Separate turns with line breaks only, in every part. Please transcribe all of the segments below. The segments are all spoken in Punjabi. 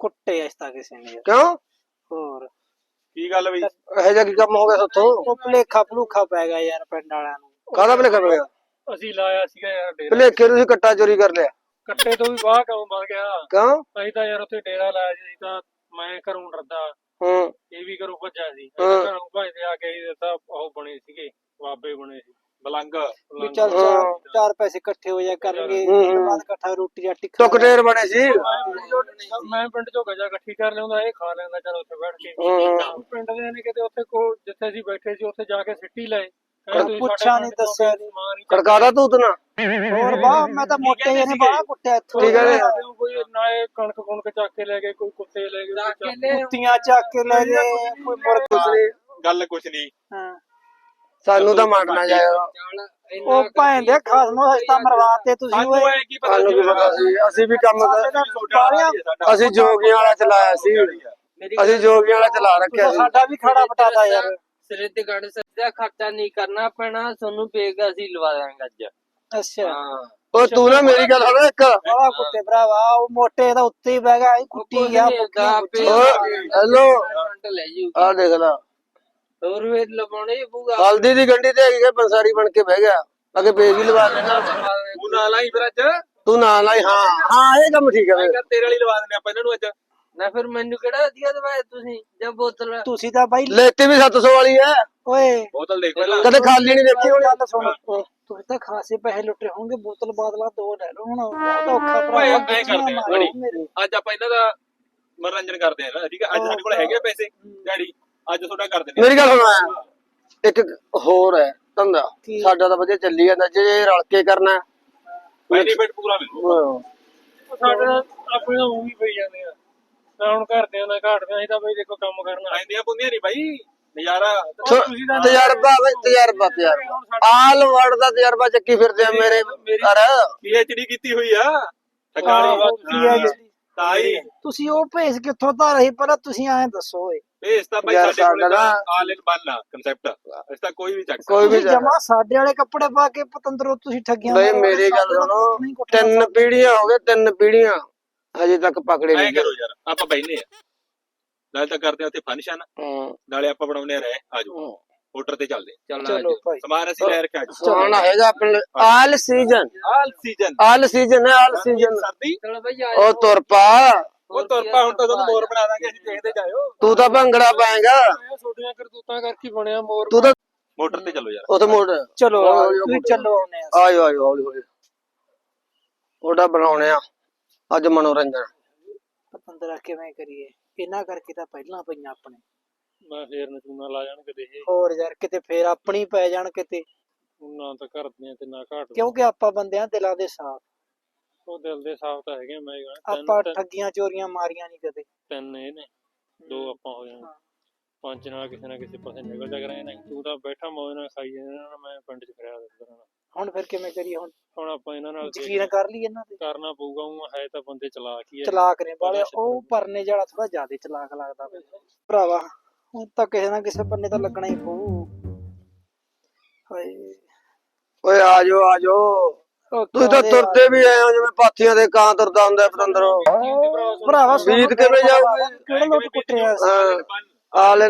ਕੁੱਟੇ ਇਸ ਤਾਂ ਕਿਸੇ ਨੇ ਯਾਰ।
ਕਿਉਂ
ਹੋਰ
ਕੀ ਗੱਲ ਬਈ?
ਇਹੋ ਜਿਹਾ ਕੀ ਕੰਮ ਹੋ ਗਿਆ ਸਾਥੋਂ?
ਉਹ ਭੁਲੇਖਾ ਭਲੂਖਾ ਪੈ ਗਿਆ ਯਾਰ ਪਿੰਡ ਵਾਲਿਆਂ ਨੂੰ।
ਕਾਹਦਾ ਭਲੇਖਾ ਪੈ ਗਿਆ?
ਅਸੀਂ ਲਾਇਆ ਸੀਗਾ ਯਾਰ ਡੇਰਾ।
ਭਲੇਖੇ ਤੁਸੀਂ ਕੱਟਾ ਚੋਰੀ ਕਰ ਲਿਆ
ਕੱਟੇ ਤੋਂ ਵੀ ਬਾਹਰ ਕੰਮ ਬਣ ਗਿਆ।
ਕਿਉਂ?
ਅਸੀਂ ਤਾਂ ਯਾਰ ਉੱਥੇ ਡੇਰਾ ਲਾਇਆ ਸੀ ਤਾਂ ਮੈਂ ਘਰੋਂ ਡਰਦਾ,
ਹੂੰ
ਇਹ ਵੀ ਘਰੋਂ ਭੱਜਿਆ ਸੀ।
ਹਾਂ।
ਘਰੋਂ ਭੱਜਦੇ ਆ ਕੇ ਤਾਂ ਉਹ ਬਣੇ ਸੀਗੇ, ਬਾਬੇ ਬਣੇ ਸੀ।
ਬਲੰਗ
ਵੀ ਚੱਲ ਚਾਰ ਪੈਸੇ ਇਕੱਠੇ ਹੋ ਜਾ ਕਰਨਗੇ, ਉਸ ਤੋਂ ਬਾਅਦ ਇਕੱਠਾ ਰੋਟੀ ਰਾਟੀ ਖਾ
ਟੁਕਟੇਰ ਬਣੇ ਸੀ।
ਮੈਂ ਪਿੰਡ ਚੋਂ ਗਜਾ ਇਕੱਠੀ ਕਰ ਲਿਆਉਂਦਾ, ਇਹ ਖਾ ਲੈਂਦਾ ਚੱਲ ਉੱਥੇ ਬੈਠ ਕੇ। ਪਿੰਡ ਦੇ ਨੇ ਕਿਤੇ ਉੱਥੇ ਜਿੱਥੇ ਅਸੀਂ ਬੈਠੇ ਸੀ ਉੱਥੇ ਜਾ ਕੇ ਸਿੱਟੀ ਲਏ।
ਪੁੱਛਿਆ ਨੀ ਦੱਸਿਆ ਨੀ।
ਖੜਕਾਦਾ ਤੂਤ ਨਾ
ਹੋਰ ਬਾਹ ਮੈਂ ਤਾਂ ਮੋਟੇ ਜਿਹੇ ਨੇ ਬਾਹ ਕੁੱਟਿਆ ਇੱਥੋਂ।
ਠੀਕ ਹੈ
ਕੋਈ ਨਾ ਇਹ ਕਣਕ ਕੁਣਕ ਚੱਕ ਕੇ ਲੈ ਗਏ, ਕੋਈ ਕੁੱਤੇ ਲੈ ਗਏ,
ਕੁੱਤੀਆਂ ਚੱਕ ਕੇ ਲੈ ਗਏ, ਕੋਈ ਮੁਰਗ
ਕੁਛ ਨਹੀਂ।
ਗੱਲ ਕੁਛ ਨਹੀਂ।
ਹਾਂ
ਸਾਨੂੰ ਤਾਂ ਮਾਰਨਾ ਜਾਏਗਾ।
ਉਹ ਭੈਣ ਦੇ ਖਾਸਮੋ ਹਸਤਾ ਮਰਵਾਤੇ ਤੁਸੀਂ
ਸਾਨੂੰ
ਓਏ।
ਐ ਕੀ ਪਤਾ
ਸਾਨੂੰ ਕੀ ਪਤਾ ਸੀ? ਅਸੀਂ ਵੀ ਕੰਮ ਅਸੀਂ ਜੋਗੀਆਂ ਵਾਲਾ ਚਲਾਇਆ ਸੀ। ਅਸੀਂ ਜੋਗੀਆਂ ਵਾਲਾ ਚਲਾ ਰੱਖਿਆ ਸੀ।
ਸਾਡਾ ਵੀ ਖੜਾ ਪਟਾਦਾ ਯਾਰ।
ਸਿਰਦਗੜ ਦਾ ਖਰਚਾ ਨਹੀਂ ਕਰਨਾ ਪੈਣਾ ਤੁਹਾਨੂੰ, ਬੇਗ ਅਸੀਂ ਲਵਾ ਦਾਂਗੇ ਅੱਜ।
ਅੱਛਾ
ਉਹ ਤੂੰ ਨਾ ਮੇਰੀ ਗੱਲ ਸੁਣ ਇੱਕ।
ਬੜਾ ਕੁੱਤੇ ਭਰਾਵਾ, ਉਹ ਮੋਟੇ ਦਾ ਉੱਤੇ ਹੀ ਬਹਿ ਗਿਆ, ਇਹ ਕੁੱਟੀ ਗਿਆ।
ਹੈਲੋ
ਲੈ ਜੂ
ਆ ਦੇਖ ਲਾ,
ਹੋਰ ਵੇ ਲਵਾਉਣੇ ਪੂਗਾ।
ਹਲਦੀ ਦੀ ਗੰਢੀ ਤੇ ਹੈਗੀ ਪੰਸਾਰੀ ਬਣ ਕੇ ਬਹਿ ਗਿਆ। ਅਗੇ ਪੇਜ ਵੀ ਲਵਾ ਦੇਣਾ।
ਤੂੰ ਨਾ ਲਾਈ ਫਿਰ ਅੱਜ।
ਤੂੰ ਨਾ ਲਾਈ। ਹਾਂ ਹਾਂ ਇਹ ਕੰਮ ਠੀਕ ਹੈ।
ਤੇਰੇ ਵਾਲੀ ਲਵਾ ਦਿੰਦੇ ਆਪਾਂ ਇਹਨਾਂ ਨੂੰ ਅੱਜ।
ਨਾ ਫਿਰ ਮੈਨੂੰ ਕਿਹੜਾ ਵਧੀਆ ਦਵਾਇਆ ਤੁਸੀਂ ਜਾਂ ਬੋਤਲ?
ਤੁਸੀਂ ਤਾਂ ਬਾਈ
ਲੈਤੀ ਵੀ 700 ਵਾਲੀ ਹੈ।
ਓਏ
ਬੋਤਲ ਦੇਖ ਪਹਿਲਾਂ।
ਕਦੇ ਖਾਲੀ ਨਹੀਂ ਦੇਖੀ ਹੋਣੀ।
ਗੱਲ ਸੁਣ, ਤੁਸੀਂ ਤਾਂ ਖਾਸੇ ਪੈਸੇ ਲੁੱਟੇ ਹੋਣਗੇ, ਬੋਤਲ ਬਾਦਲਾ 2 ਲੈ ਲਓ। ਹੁਣ ਬਹੁਤ ਔਖਾ
ਓਏ
ਭਰਾ
ਐਂ ਕਰਦੇ ਆ ਬੜੀ। ਅੱਜ ਆਪਾਂ ਇਹਨਾਂ ਦਾ ਮਨੋਰੰਜਨ ਕਰਦੇ ਆ ਨਾ, ਠੀਕ ਹੈ। ਅੱਜ ਸਾਡੇ ਕੋਲ ਹੈਗੇ ਪੈਸੇ ਡੈਡੀ, ਅੱਜ ਤੁਹਾਡਾ ਕਰ ਦਿੰਦੇ ਆ।
ਮੇਰੀ ਗੱਲ ਸੁਣ, ਇੱਕ ਹੋਰ ਹੈ ਧੰਦਾ ਸਾਡਾ ਤਾਂ ਵਧੀਆ ਚੱਲੀ ਜਾਂਦਾ। ਜੇ ਰਲ ਕੇ ਕਰਨਾ
ਬੈਨੀਫਿਟ ਪੂਰਾ ਮਿਲੂ।
ਸਾਡੇ ਨਾਲ ਆਪਣੇ ਤਾਂ ਊਂ ਵੀ ਪਈ ਜਾਂਦੇ ਆ ਨਾ, ਹੁਣ ਘਰਦਿਆਂ ਦਾ ਘਾਟਦੇ ਅਸੀਂ ਤਾਂ ਬਈ ਦੇਖੋ ਕੰਮ ਕਰਨਾ।
ਆਂਦੀਆਂ ਪੁੰਦੀਆਂ ਨਹੀਂ ਬਾਈ, ਨਜ਼ਾਰਾ।
ਤਜਰਬਾ ਬਈ, ਤਜਰਬਾ ਆਲ ਵਰਡ ਦਾ ਤਜਰਬਾ ਚੱਕੀ ਫਿਰਦੇ ਆ ਮੇਰੇ ਘਰ।
PhD ਕੀਤੀ ਹੋਈ ਆ ਟਕਾਲੀ ਤਾਈ।
ਤੁਸੀਂ ਉਹ ਭੇਜ ਕਿੱਥੋਂ ਤਾਂ ਰਹੀ, ਪਹਿਲਾਂ ਤੁਸੀਂ ਐਂ ਦੱਸੋ ਓਏ।
ਇਸ ਤਾਂ ਬਾਈ ਸਾਡੇ ਕੋਲ ਆਲ ਇਨ ਵਨ ਆ ਕਨਸੈਪਟ। ਇਸ ਤਾਂ ਕੋਈ ਵੀ ਚੱਕ
ਕੋਈ ਵੀ
ਜਮਾ ਸਾਡੇ ਵਾਲੇ ਕੱਪੜੇ ਪਾ ਕੇ ਪਤੰਦਰੋਂ ਤੁਸੀਂ ਠੱਗੀਆਂ
ਬਈ ਮੇਰੀ ਗੱਲ ਸੁਣੋ, 3 ਪੀੜ੍ਹੀਆਂ ਹੋ ਗਏ, 3 ਪੀੜ੍ਹੀਆਂ ਹਜੇ ਤੱਕ ਪਕੜੇ
ਐ
ਨਹੀਂ।
ਕਰੋ ਯਾਰ, ਆਪਾਂ ਬੈਠਨੇ ਆ ਨਾਲੇ ਤਾਂ ਕਰਦੇ ਆ ਉੱਥੇ ਫੰਕਸ਼ਨ, ਨਾਲੇ ਆਪਾਂ ਬਣਾਉਨੇ ਆ ਰਹਿ। ਆਜੋ ਮੋਟਰ ਤੇ ਚੱਲਦੇ।
ਚਲੋ ਭਾਈ,
ਸਮਾਨ ਅਸੀਂ ਲੈ ਰੱਖਿਆ ਅੱਜ।
ਚਾਹਣਾ ਹੈਗਾ ਆਪਣੇ ਆਲ ਸੀਜ਼ਨ।
ਆਲ ਸੀਜ਼ਨ
ਹੈ ਆਲ ਸੀਜ਼ਨ।
ਸਰਦੀ
ਚਲੋ ਬਈ
ਉਹ ਤੁਰ ਪਾ।
ਉਹ ਤੁਰ ਪਾ, ਹੁਣ ਤਾਂ ਤੁਹਾਨੂੰ ਮੋਰ ਬਣਾ ਦਾਂਗੇ ਅਸੀਂ, ਦੇਖਦੇ ਜਾਇਓ।
ਤੂੰ ਤਾਂ ਭੰਗੜਾ ਪਾਏਗਾ।
ਛੋਟੀਆਂ ਕਰਤੂਤਾਂ ਕਰਕੇ ਬਣਿਆ ਮੋਰ।
ਤੂੰ ਤਾਂ
ਮੋਟਰ ਤੇ ਚੱਲੋ ਯਾਰ।
ਉੱਥੇ ਮੋੜ
ਚਲੋ ਤੁਸੀਂ ਚੱਲੋ ਆਉਨੇ ਆ।
ਆਇਓ ਆਇਓ ਹੌਲੀ ਹੌਲੀ। ਉਹਦਾ ਬਣਾਉਣੇ ਆ ਅੱਜ ਮਨੋਰੰਜਨ।
ਪਤੰਦਰਾ ਕਿਵੇਂ ਕਰੀਏ, ਇਹਨਾਂ ਕਰਕੇ ਤਾਂ ਪਹਿਲਾਂ ਪਈਆਂ ਆਪਣੇ।
ਮੈਂ ਫੇਰ ਨਚੂਨਾ ਲਾ ਜਾਣ ਕਿਤੇ ਇਹ,
ਹੋਰ ਯਾਰ ਕਿਤੇ ਫੇਰ ਆਪਣੀ ਪੈ ਜਾਣ ਕਿਤੇ,
ਨਾ ਤਾਂ ਘਰਦਿਆਂ ਤੇ ਨਾ ਘਾਟ।
ਕਿਉਂਕਿ ਆਪਾਂ ਬੰਦਿਆਂ ਦਿਲਾਂ ਦੇ ਸਾਫ਼।
ਉਹ ਦਿਲ ਦੇ ਸਾਫ਼ ਤਾਂ ਹੈਗੇ। ਮੈਂ
ਆਪਾਂ ਠੱਗੀਆਂ ਚੋਰੀਆਂ ਮਾਰੀਆਂ ਨਹੀਂ ਕਦੇ।
3 ਇਹ ਨੇ, 2 ਆਪਾਂ ਹੋ ਜਾਣਾ। 5 ਨਾਲ ਕਿਸੇ ਨਾ ਕਿਸੇ ਪਾਸੇ ਨਿਕਲ ਜਾ ਕਰਾਂਗੇ। ਨਹੀਂ ਤੂੰ ਤਾਂ ਬੈਠਾ ਮੌਜ ਨਾਲ ਖਾਈ ਜਾਂਦਾ, ਮੈਂ ਪਿੰਡ 'ਚ ਫਿਰਿਆ ਕਰਦਾ।
ਹੁਣ ਫਿਰ ਕਿਵੇਂ ਕਰੀਏ?
ਹੁਣ ਆਪਾਂ ਇਹਨਾਂ ਨਾਲ
ਯਕੀਨ ਕਰ ਲਈ ਇਹਨਾਂ ਤੇ।
ਕਰਨਾ ਪਊਗਾ। ਉਹ ਹੈ ਤਾਂ ਬੰਦੇ ਚਲਾਕ ਹੀ ਆ।
ਚਲਾਕ ਨੇ ਬਾਲੇ। ਉਹ ਪਰਨੇ ਜਿਹੜਾ ਥੋੜਾ ਜ਼ਿਆਦਾ ਚਲਾਕ ਲੱਗਦਾ ਭਰਾਵਾ। ਹੁਣ ਤਾਂ ਕਿਸੇ ਨਾ ਕਿਸੇ ਬੰਨੇ ਤਾਂ ਲੱਗਣਾ ਹੀ ਪਊ। ਹਾਏ
ਓਏ ਆਜੋ ਆਜੋ। ਤੁਸੀਂ ਤਾਂ ਤੁਰਦੇ ਵੀ ਆਏ ਹੋ ਜਿਵੇਂ ਪਾਥੀਆਂ ਦੇ ਕਾਂ ਤੁਰਦਾ ਹੁੰਦਾ ਪਤੰਦਰੋਂ।
ਭਰਾਵਾ
ਬੀਤ ਕਿਵੇਂ ਜਾਊਗੀ?
ਕਿਹੜਾ ਲੋਟ ਕੁੱਟਿਆ
ਆਲ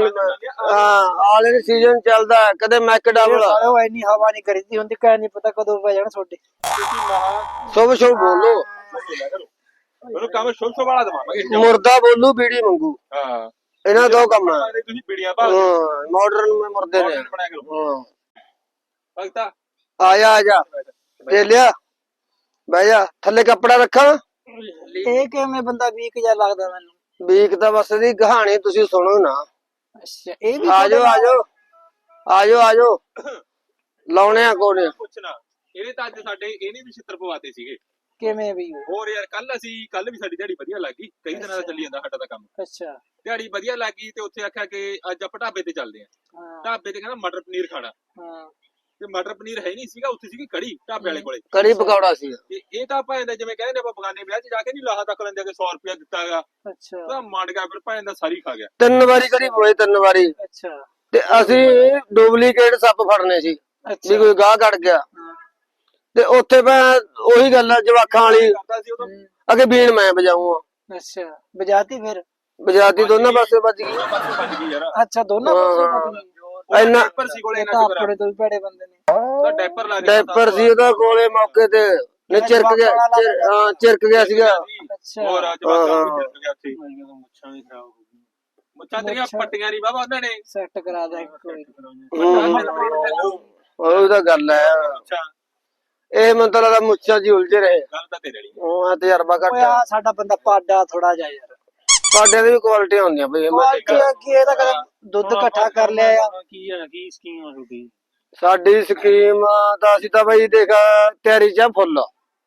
ਇਨ ਸੀਜ਼ਨ ਚੱਲਦਾ। ਕਦੇ ਮੈਕਡਾਵਲ
ਉਹ ਇੰਨੀ ਹਵਾ ਨਹੀਂ ਕਰੀਦੀ ਹੁੰਦੀ, ਕਹਿ ਨਹੀਂ ਪਤਾ ਕਦੋਂ ਪੈ ਜਾਣ ਤੁਹਾਡੇ।
ਸ਼ੁਭ ਸ਼ੁਭ ਬੋਲੋ।
ਮੈਨੂੰ ਕੰਮ ਸ਼ੁਭ ਸ਼ੁਭ ਵਾਲਾ ਦਵਾਵਾਂਗੇ।
ਮੁਰਦਾ ਬੋਲੂ ਬੀੜੀ ਮੰਗੂ।
ਹਾਂ
ਇਹਨਾਂ ਦੋ ਕੰਮ ਆ।
ਤੁਸੀਂ ਪੀੜੀਆਂ ਭਾਲ
ਮਾਡਰਨ ਮੇ ਮੁਰਦੇ ਨੇ।
ਬਣਿਆ ਕਰੋ ਭਗਤਾ।
ਆਜਾ ਆਜਾ ਤੇ ਲਿਆ ਬਹਿ ਜਾ। ਥੱਲੇ ਕੱਪੜਾ ਰੱਖਾਂ?
ਇਹ ਕਿਵੇਂ ਬੰਦਾ ਵੀਕ ਜਿਹਾ ਲੱਗਦਾ ਮੈਨੂੰ।
ਵੀਕ ਤਾਂ ਬਸ ਦੀ ਕਹਾਣੀ ਤੁਸੀਂ ਸੁਣੋ ਨਾ।
ਅੱਛਾ ਇਹ ਵੀ
ਆਜੋ ਆਜੋ ਆਜੋ ਆਜੋ। ਲਾਉਣੇ ਆ ਕੋਨੇ।
ਪੁੱਛਣਾ ਇਹਨੇ ਤਾਂ ਅੱਜ ਸਾਡੇ ਇਹਨੇ ਵੀ ਛਿੱਤਰ ਪਵਾਤੇ ਸੀਗੇ।
ਕਿਵੇਂ ਵੀ?
ਹੋਰ ਯਾਰ ਕੱਲ ਵੀ ਸਾਡੀ ਦਿਹਾੜੀ ਵਧੀਆ ਲੱਗੀ। ਕਈ ਦਿਨਾਂ ਦਾ ਚੱਲੀ ਜਾਂਦਾ ਸਾਡਾ ਤਾਂ ਕੰਮ।
ਅੱਛਾ
ਦਿਹਾੜੀ ਵਧੀਆ ਲੱਗੀ ਤੇ ਉੱਥੇ ਆਖਿਆ ਕਿ ਅੱਜ ਆਪਾਂ ਢਾਬੇ ਤੇ ਚੱਲਦੇ ਆਂ। ਢਾਬੇ ਤੇ ਕਹਿੰਦਾ ਮਟਰ ਪਨੀਰ ਖਾਣਾ। ਤੇ ਮਟਰ ਪਨੀਰ ਹੈ ਨਹੀਂ ਸੀਗਾ, ਉੱਥੇ ਸੀਗੀ ਕੜੀ ਢਾਬੇ ਵਾਲੇ ਕੋਲੇ।
ਕੜੀ ਪਕੌੜਾ ਸੀ।
ਤੇ ਇਹ ਤਾਂ ਭਾਂ ਦਾ ਜਿਵੇਂ ਕਹਿੰਦੇ ਆਪਾਂ ਬਗਾਨੇ ਵਿਆਹ 'ਚ ਜਾ ਕੇ ਨਹੀਂ ਲਾਹਾ ਤੱਕ ਲੈਂਦੇ ਕਿ 100 ਰੁਪਇਆ ਦਿੱਤਾ ਹੈਗਾ।
ਅੱਛਾ
ਉਹਦਾ ਮੰਡ ਗਿਆ, ਫਿਰ ਭਾਂ ਦਾ ਸਾਰੀ ਖਾ ਗਿਆ।
3 ਵਾਰੀ ਕੜੀ ਪੋਏ 3 ਵਾਰੀ।
ਅੱਛਾ
ਤੇ ਅਸੀਂ ਡੁਪਲੀਕੇਟ ਸੱਪ ਫੜਨੇ ਸੀ ਵੀ ਕੋਈ ਗਾਹ ਕੱਢ ਗਿਆ। ਤੇ ਉੱਥੇ ਮੈਂ ਉਹੀ ਗੱਲ ਆ ਜਵਾਕਾਂ ਵਾਲੀ, ਅੱਗੇ ਬੀਣ ਮੈਂ ਵਜਾਊਂ।
ਅੱਛਾ ਬਜਾਤੀ ਫਿਰ
ਬਜਾਤੀ ਦੋਨਾਂ ਪਾਸੇ ਵੱਜ ਗਈ।
ਪਾਸੇ ਵੱਜ ਗਈ ਯਾਰ।
ਅੱਛਾ ਦੋਨਾਂ ਪਾਸੇ ਵੱਜ ਗਈ।
ਇੰਨਾ
ਡਾਈਪਰ ਸੀ ਕੋਲੇ
ਤਾਂ
ਨਾ ਸ਼ੁਕਰ
ਆਪਣੇ ਤੋਂ ਵੀ ਭੈੜੇ ਬੰਦੇ ਨੇ
ਤਾਂ ਡਾਈਪਰ ਲਾ ਕੇ
ਡਾਈਪਰ ਸੀ ਉਹਦਾ ਕੋਲੇ ਮੌਕੇ ਤੇ ਨੇ ਚਿਰਕ ਗਿਆ ਹਾਂ ਚਿਰਕ ਗਿਆ ਸੀਗਾ।
ਅੱਛਾ
ਹੋਰ ਅੱਜ ਬਾਅਦ
ਹਾਂ।
ਵਿੱਚ ਗਿਆ ਸੀ
ਮੁੱਛਾਂ ਵੀ ਖਰਾਬ ਹੋ ਗਈਆਂ।
ਮੁੱਛਾਂ ਤੇਰੀਆਂ ਪੱਟੀਆਂ ਨਹੀਂ ਬਾਬਾ ਉਹਨਾਂ ਨੇ
ਸੈੱਟ ਕਰਾ ਦੇ ਕੋਈ
ਉਹ ਤਾਂ ਗੱਲ ਹੈ।
ਅੱਛਾ
ਇਹ ਮੈਨੂੰ ਤਾਂ ਲੱਗਦਾ ਮੁੱਛਾਂ ਜੀ ਉਲਝੇ ਰਹੇ।
ਗੱਲ ਤਾਂ ਤੇਰੇ ਲਈ
ਉਹ ਆ ਤਜਰਬਾ ਘੱਟ
ਓਏ
ਆ।
ਆ ਸਾਡਾ ਬੰਦਾ ਪਾਡਾ ਥੋੜਾ ਜਿਹਾ ਯਾਰ
ਪਾਡਿਆਂ ਦੀ ਵੀ ਕੁਆਲਿਟੀਆਂ ਹੁੰਦੀਆਂ ਬਈ।
ਕੀ ਇਹਦਾ ਕਦੇ ਦੁੱਧ ਇਕੱਠਾ ਕਰ ਲਿਆ ਆ
ਕੀ ਹੈ ਕੀ ਸਕੀਮ ਆ ਤੁਹਾਡੀ?
ਸਾਡੀ ਸਕੀਮ ਤਾਂ ਅਸੀਂ ਤਾਂ ਬਈ ਦੇਖ ਤਿਆਰੀ ਚ ਆ ਫੁੱਲ।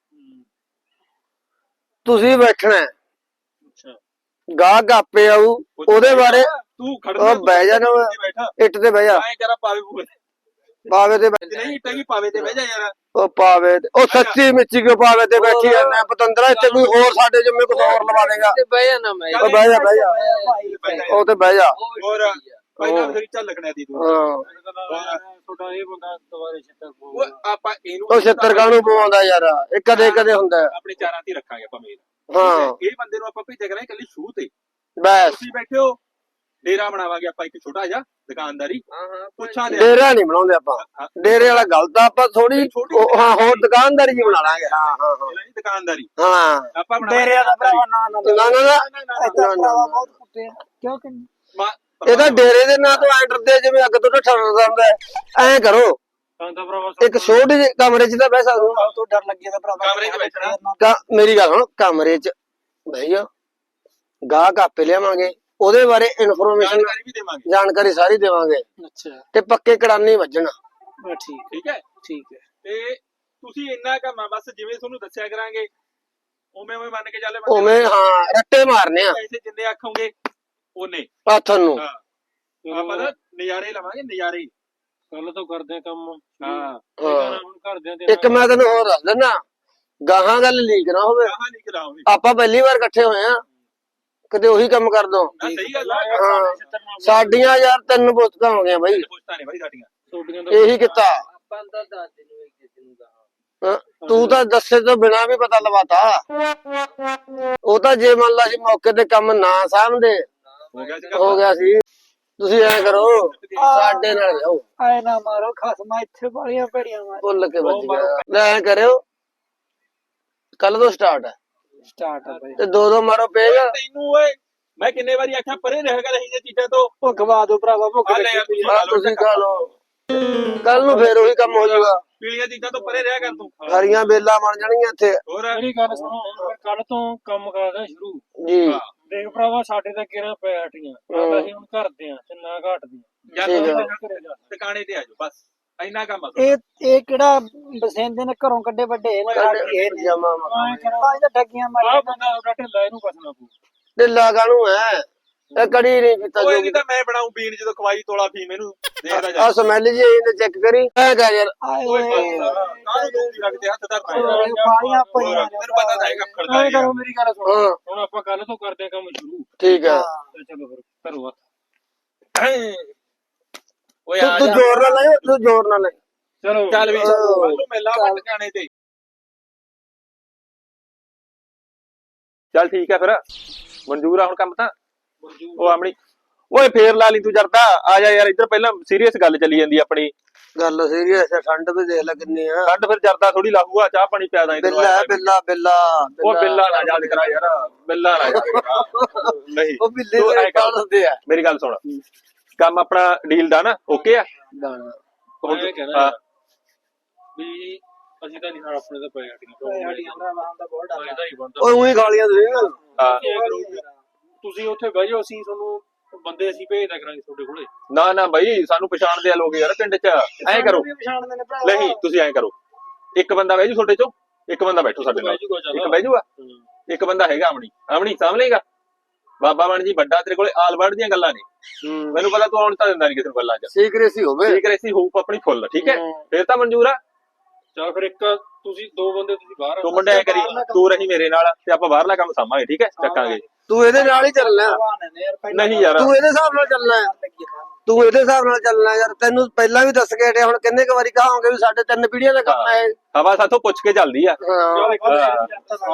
ਤੁਸੀਂ ਬੈਠਣਾ ਹੈ,
ਅੱਛਾ
ਗਾਹਕ ਆਪੇ ਆਊ ਉਹਦੇ ਬਾਰੇ
ਤੂੰ ਖੜ
ਉਹ ਬਹਿ ਜਾ ਨਾ
ਬੈਠਾ
ਇੱਟ ਤੇ ਬਹਿ ਜਾ
ਐਂ ਕਰਾ ਪਾਵੇ ਪੂਵੇ
ਪਾਵੇ ਤੇ ਬਹਿ
ਨਹੀਂ ਟੰਗੀ ਪਾਵੇ ਤੇ ਬਹਿ ਜਾ ਯਾਰ
ਉਹ ਪਾਵੇ ਤੇ ਉਹ ਸੱਚੀ ਮਿੱਚੀ ਕਿਉਂ ਪਾਵੇ ਤੇ ਬੈਠੀ ਜਾਂਦਾ ਪਤੰਦਰਾ ਇੱਥੇ ਕੋਈ ਹੋਰ ਸਾਡੇ ਜੰਮੇ ਕੁਝ ਹੋਰ ਲਵਾ ਦੇਗਾ।
ਤੇ ਬਹਿ ਜਾ ਨਾ ਮੈਂ
ਉਹ ਬਹਿ ਜਾ ਬਹਿ ਜਾ ਉਹ ਤੇ ਬਹਿ ਜਾ
ਹੋਰ ਪਹਿਲਾਂ ਫਿਰ ਚੱਲ ਲੱਗਣਾ ਦੀ ਤੂੰ
ਹਾਂ
ਤੁਹਾਡਾ ਇਹ ਬੰਦਾ ਦੁਬਾਰੇ ਛੱਤਰ
ਉਹ ਆਪਾਂ ਇਹਨੂੰ
ਉਹ 76 ਕਾਹਨੂੰ ਪਵਾਉਂਦਾ ਯਾਰ ਇਹ ਕਦੇ ਕਦੇ ਹੁੰਦਾ ਹੈ।
ਆਪਣੇ ਚਾਰਾਂ ਤੇ ਹੀ ਰੱਖਾਂਗੇ ਆਪਾਂ ਮੇਲ
ਹਾਂ
ਇਹ ਬੰਦੇ ਨੂੰ ਆਪਾਂ ਭੇਜਿਆ ਕਰਾਂਗੇ ਇਕੱਲੀ ਸ਼ੂ ਤੇ
ਬਸ
ਤੁਸੀਂ ਬੈਠੇ ਹੋ ਡੇਰਾ ਬਣਾਵਾਂਗੇ ਆਪਾਂ ਇੱਕ ਛੋਟਾ ਜਿਹਾ ਦੁਕਾਨਦਾਰੀ
ਹਾਂ
ਪੁੱਛਾਂ ਦੇ
ਡੇਰਾ ਨਹੀਂ ਬਣਾਉਂਦੇ ਆਪਾਂ ਡੇਰੇ ਵਾਲਾ ਗਲਤ ਆ ਆਪਾਂ ਥੋੜੀ ਹਾਂ ਹੋਰ ਦੁਕਾਨਦਾਰੀ ਜੀ ਬਣਾ ਲਾਂਗੇ। ਹਾਂ ਹਾਂ
ਦੁਕਾਨਦਾਰੀ
ਹਾਂ
ਆਪਾਂ
ਡੇਰਿਆਂ ਦਾ ਭਰਾਵਾ ਨਾ ਨਾ
ਨਾ ਨਾ ਨਾ
ਇੱਥੇ ਭਰਾਵਾ ਬਹੁਤ ਕੁੱਤੇ ਆ ਕਿਉਂ ਕਿ
ਇਹ ਤਾਂ ਡੇਰੇ ਦੇ ਨਾਂ ਤੋਂ ਐਂ ਡਰਦੇ ਜਿਵੇਂ ਅੱਗ ਤੋਂ ਠੱਠਾ ਡਰਦਾ ਹੁੰਦਾ। ਐਂ ਕਰੋ
ਕਹਿੰਦਾ ਭਰਾਵਾ
ਇੱਕ ਛੋਟੇ ਜਿਹੇ ਕਮਰੇ 'ਚ ਤਾਂ ਬਹਿ ਸਕਦੇ
ਤੋਂ ਡਰ ਲੱਗੇ ਤਾਂ ਭਰਾਵਾ
ਕਮਰੇ 'ਚ ਬੈਠਣਾ।
ਹੋ। ਮੇਰੀ ਗੱਲ ਸੁਣ ਕਮਰੇ 'ਚ ਬਹਿ ਜਾ ਗਾਹਕ ਆਪੇ ਲਿਆਵਾਂਗੇ ਉਹਦੇ ਬਾਰੇ ਇਨਫੋਰਮੇਸ਼ਨ
ਜਾਣਕਾਰੀ ਵੀ ਦੇਵਾਂਗੇ
ਜਾਣਕਾਰੀ ਸਾਰੀ ਦੇਵਾਂਗੇ
ਅੱਛਾ
ਤੇ ਪੱਕੇ ਕੜਾਨੀ ਵੱਜਣਾ।
ਠੀਕ
ਠੀਕ ਹੈ
ਠੀਕ ਹੈ
ਤੇ ਤੁਸੀਂ ਇੰਨਾ ਕੰਮ ਆ ਬਸ ਜਿਵੇਂ ਤੁਹਾਨੂੰ ਦੱਸਿਆ ਕਰਾਂਗੇ ਉਵੇਂ ਉਵੇਂ ਮੰਨ ਕੇ ਚੱਲੇ
ਉਵੇਂ ਹਾਂ ਰੱਟੇ ਮਾਰਨੇ ਆ
ਪੈਸੇ ਜਿੰਨੇ ਆਖੋਗੇ ਉਹਨੇ
ਹੱਥਾਂ ਨੂੰ।
ਹਾਂ ਆਪਾਂ ਤਾਂ ਨਜ਼ਾਰੇ ਲਵਾਂਗੇ ਨਜ਼ਾਰੇ
ਕੱਲ ਤੋਂ ਕਰਦੇ ਆ ਕੰਮ
ਹਾਂ
ਹਾਂ
ਹੁਣ ਘਰਦਿਆਂ ਦੇ
ਇੱਕ ਮੈਂ ਤੈਨੂੰ ਹੋਰ ਦੱਸ ਦਿੰਦਾ ਗਾਹਾਂ ਗੱਲ ਲੀਕ ਨਾ ਹੋਵੇ।
ਕਹਾਂ ਨਹੀਂ ਕਰਾਉਂਗੇ
ਆਪਾਂ ਪਹਿਲੀ ਵਾਰ ਇਕੱਠੇ ਹੋਏ ਆ ਕਦੇ ਉਹੀ ਕੰਮ ਕਰ ਦੋ।
ਸਹੀ ਗੱਲ ਆ
ਹਾਂ ਸਾਡੀਆਂ ਯਾਰ 3 ਪੁਸਤਕਾਂ ਹੋ ਗਈਆਂ ਬਾਈ
ਪੁੱਛਤਾ ਨੇ ਬਾਈ ਸਾਡੀਆਂ
ਤੁਹਾਡੀਆਂ ਦਾ
ਇਹੀ ਕੀਤਾ।
ਆਪਾਂ ਤਾਂ ਦੱਸ ਦਿਨ ਵਿੱਚ ਕਿਸੇ ਨੂੰ ਕਹਾ
ਹਾਂ, ਤੂੰ ਤਾਂ ਦੱਸੇ ਤੋਂ ਬਿਨਾ ਵੀ ਪਤਾ ਲਵਾਤਾ। ਉਹ ਤਾਂ ਜੇ ਮੰਨ ਲਾ ਸੀ ਮੌਕੇ ਤੇ ਕੰਮ ਨਾ ਸਾਂਭਦੇ
ਹੋ ਗਿਆ ਸੀ
ਹੋ ਗਿਆ ਸੀ। ਤੁਸੀਂ ਐ ਕਰੋ ਸਾਡੇ ਨਾਲ ਜਾਓ
ਆਏ ਨਾ ਮਾਰੋ ਖਸਮਾ ਇੱਥੇ ਵਾਲੀਆਂ ਭੜੀਆਂ ਮਾਰ
ਭੁੱਲ ਕੇ ਵੱਜ ਗਿਆ। ਲੈ ਐ ਕਰਿਓ ਕੱਲ ਤੋਂ ਸਟਾਰਟ ਹੈ
ਸਟਾਰਟ ਆ ਬਈ
ਤੇ 2-2 ਮਾਰੋ ਪੇਜ।
ਤੈਨੂੰ ਓਏ ਮੈਂ ਕਿੰਨੇ ਵਾਰੀ ਆਖਿਆ ਪਰੇ ਰਹਿ ਗਿਆ ਇਹ ਚੀਜ਼ਾਂ ਤੋਂ
ਉਹ ਗਵਾ ਦੋ ਭਰਾਵਾ ਭੁੱਖ
ਆ ਲੈ ਯਾਰ
ਲੱਗੀ
ਤੁਸੀਂ
ਆ ਤੁਸੀਂ ਖਾ ਲਓ ਕੱਲ ਨੂੰ ਫੇਰ ਉਹੀ ਕੰਮ ਹੋ ਜਾਊਗਾ।
ਪੀਲੀਆਂ ਚੀਜ਼ਾਂ ਤੋਂ ਪਰੇ ਰਹਿ ਕਰ ਤੂੰ
ਹਰੀਆਂ ਬੇਲਾਂ ਬਣ ਜਾਣਗੀਆਂ ਇੱਥੇ।
ਹੋਰ
ਮੇਰੀ ਗੱਲ ਸੁਣੋ ਹੁਣ ਕੱਲ ਤੋਂ ਕੰਮ ਕਰਦਾ ਸ਼ੁਰੂ।
ਜੀ
ਦੇਖ ਭਰਾਵਾ ਸਾਡੇ ਤਾਂ ਕਿਹੜਾ ਪੈ ਹਟੀਆਂ ਤਾਂ ਅਸੀਂ ਹੁਣ ਕਰਦੇ ਆ ਤੇ ਨਾ ਘਟਦੀਆਂ
ਜਾਂ
ਠੀਕ ਹੈ।
ਟਿਕਾਣੇ ਤੇ ਆ ਜਾਓ ਬਸ ਇੰਨਾ ਕੰਮ ਆ
ਇਹ ਕਿਹੜਾ ਬਸੇਂਦੇ ਨੇ ਘਰੋਂ ਕੱਢੇ ਵੱਡੇ ਨੇ ਇਹ ਨੇ
ਜਮਾ
ਤਾਂ ਇਹਦਾ ਠੱਗੀਆਂ
ਆ
ਮਾਰੀਆਂ
ਬੰਦਾ ਉਹਦਾ ਢਿੱਲਾ ਇਹਨੂੰ ਕਸਣਾ ਪਊ।
ਢਿੱਲਾ ਕਾਹਨੂੰ ਹੈ ਇਹ ਕੜੀ ਨਹੀਂ ਕੀਤਾ
ਓਏ
ਜੋ
ਨਹੀਂ ਤਾਂ ਮੈਂ ਬਣਾਉਂ ਪੀਣ ਜਦੋਂ ਖਵਾਈ ਤੋਲਾ ਫੀਮ ਇਹਨੂੰ ਦੇਖਦਾ ਜਾ
ਆ ਸਮੈਲ ਜੀ ਇਹਨੇ ਚੈੱਕ ਕਰੀ ਐ ਕਰ ਯਾਰ
ਆਏ
ਓਏ
ਓਏ
ਕਾਹਨੂੰ ਦੋਸਤੀ ਰੱਖਦੇ ਹੱਥ ਧਰਨਾ ਯਾਰ
ਵਾਲੀਆਂ ਪਈਆਂ
ਤੈਨੂੰ ਪਤਾ ਤਾਂ ਹੈਗਾ ਖੜਦਾ
ਐਂ ਕਰੋ ਮੇਰੀ ਗੱਲ ਸੁਣੋ
ਹਾਂ
ਹੁਣ ਆਪਾਂ ਕੱਲ ਤੋਂ ਕਰਦੇ ਆ ਕੰਮ ਸ਼ੁਰੂ
ਠੀਕ ਹੈ।
ਤੇ ਚਲੋ ਫਿਰ ਕਰੋ ਹੱਥ।
ਓਏ ਆ
ਤੂੰ
ਜਾ
ਜ਼ੋਰ ਨਾਲ ਲੈ ਤੂੰ ਜ਼ੋਰ ਨਾਲ ਲੈ
ਚਲੋ
ਚੱਲ ਵੀ ਮੈਨੂੰ ਮਿਲਾਂ ਟਿਕਾਣੇ ਤੇ ਚੱਲ ਠੀਕ ਹੈ ਫਿਰ ਮਨਜ਼ੂਰ ਆ ਹੁਣ ਕੰਮ ਤਾਂ ਉਹ ਆਪਣੀ ਓਏ ਫੇਰ ਲਾ ਲਈ ਤੂੰ ਜਰਦਾ ਆ ਜਾ ਯਾਰ ਇੱਧਰ ਪਹਿਲਾਂ ਸੀਰੀਅਸ ਗੱਲ ਚੱਲੀ ਜਾਂਦੀ ਆਪਣੀ
ਗੱਲ ਸੀਰੀਅਸ ਹੈ ਠੰਡ ਵੀ ਦੇਖ ਲੈ ਕਿੰਨੀ ਆ।
ਠੰਡ ਫਿਰ ਜਰਦਾ ਥੋੜੀ ਲਾਹੂਗਾ ਚਾਹ ਪਾਣੀ ਪਿਆ ਦਾਂ
ਬਿੱਲਾ ਬਿੱਲਾ ਬਿੱਲਾ
ਉਹ ਬਿੱਲਾ ਨਾ ਯਾਦ ਕਰਾ ਯਾਰ ਬਿੱਲਾ ਨਾ ਯਾਦ ਕਰਾ ਨਹੀਂ
ਉਹ ਬਿੱਲੇ
ਤੂੰ ਐਂ
ਦੇ
ਕਰ।
ਕਾਲ ਹੁੰਦੇ ਆ।
ਮੇਰੀ ਗੱਲ ਸੁਣ ਕੰਮ ਆਪਣਾ ਡੀਲ ਦਾ ਨਾ ਓਕੇ ਆ
ਇਹ ਕਹਿਣਾ ਵੀ ਅਸੀਂ ਤਾਂ ਨਹੀਂ ਹਾਂ ਆਪਣੇ ਤਾਂ ਪੈ ਹਟੀਆਂ
ਸਾਡੀਆਂ ਭਰਾਵਾਂ ਦਾ ਬਹੁਤ ਡਰ
ਇਹਦਾ ਹੀ ਬਣਦਾ
ਓਏ ਉਹੀ ਗਾਲੀਆਂ ਦੇ
ਹਾਂ।
ਤੁਸੀਂ ਉੱਥੇ ਬਹਿ ਜਾਓ ਅਸੀਂ ਤੁਹਾਨੂੰ ਬੰਦੇ ਅਸੀਂ ਭੇਜਦਾ ਕਰਾਂਗੇ ਤੁਹਾਡੇ ਕੋਲੇ।
ਨਾ ਨਾ ਬਾਈ ਸਾਨੂੰ ਪਛਾਣਦੇ ਆ ਲੋਕ ਯਾਰ ਪਿੰਡ 'ਚ ਐਂ ਕਰੋ
ਪਛਾਣਦੇ ਨੇ ਭਰਾ
ਨਹੀਂ ਤੁਸੀਂ ਐਂ ਕਰੋ ਇੱਕ ਬੰਦਾ ਬਹਿ ਜੂ ਤੁਹਾਡੇ ਚੋਂ ਇੱਕ ਬੰਦਾ ਬੈਠੋ ਸਾਡੇ ਨਾਲ
ਬਹਿ ਜਾਊਗਾ ਚੱਲ।
ਇੱਕ ਬਹਿ ਜੂਗਾ ਇੱਕ ਬੰਦਾ ਹੈਗਾ ਆਮਣੀ ਸਾਂਭ ਲਏਗਾ ਬਾਬਾ ਬਣ ਜੀ ਵੱਡਾ ਤੇਰੇ ਕੋਲੇ ਆਲਵਰਡ ਦੀਆਂ ਗੱਲਾਂ ਨੇ ਮੈਨੂੰ ਪਤਾ ਤੂੰ ਆਉਣ ਤਾਂ ਦਿੰਦਾ ਨਹੀਂ ਕਿਸੇ ਨੂੰ ਗੱਲਾਂ 'ਚ
ਸੀਕ੍ਰੇਸੀ ਹੋਵੇ
ਠੀਕ ਰੈਸੀ ਹੋਊ ਆਪਣੀ ਫੁੱਲ ਠੀਕ ਹੈ ਫੇਰ ਤਾਂ ਮਨਜ਼ੂਰ ਆ
ਚਲ ਫਿਰ ਇੱਕ ਤੁਸੀਂ ਦੋ ਬੰਦੇ ਤੁਸੀਂ ਬਾਹਰ
ਤੂੰ ਮੁੰਡੇ ਐ ਕਰੀ ਤੂੰ ਰਹੀ ਮੇਰੇ ਨਾਲ ਤੇ ਆਪਾਂ ਬਾਹਰਲਾ ਕੰਮ ਸਾਂਭਾਂਗੇ ਠੀਕ ਹੈ ਚੱਕਾਂਗੇ
ਤੂੰ ਇਹਦੇ ਨਾਲ ਹੀ ਚੱਲਣਾ
ਨਹੀਂ ਯਾਰ
ਤੂੰ ਇਹਦੇ ਹਿਸਾਬ ਨਾਲ ਚੱਲਣਾ ਹੈ। ਤੂੰ ਇਹਦੇ ਹਿਸਾਬ ਨਾਲ ਚੱਲਣਾ ਯਾਰ ਤੈਨੂੰ ਪਹਿਲਾਂ ਵੀ ਦੱਸ ਕੇ ਹਟਿਆ ਹੁਣ ਕਿੰਨੇ ਕੁ ਵਾਰੀ ਕਹਾਂਗੇ ਵੀ ਸਾਡੇ 3 ਪੀੜ੍ਹੀਆਂ ਦਾ ਕੰਮ ਹੈ ਇਹ।
ਹਵਾ ਸਾਥੋਂ ਪੁੱਛ ਕੇ ਚੱਲਦੀ ਆ
ਹਾਂ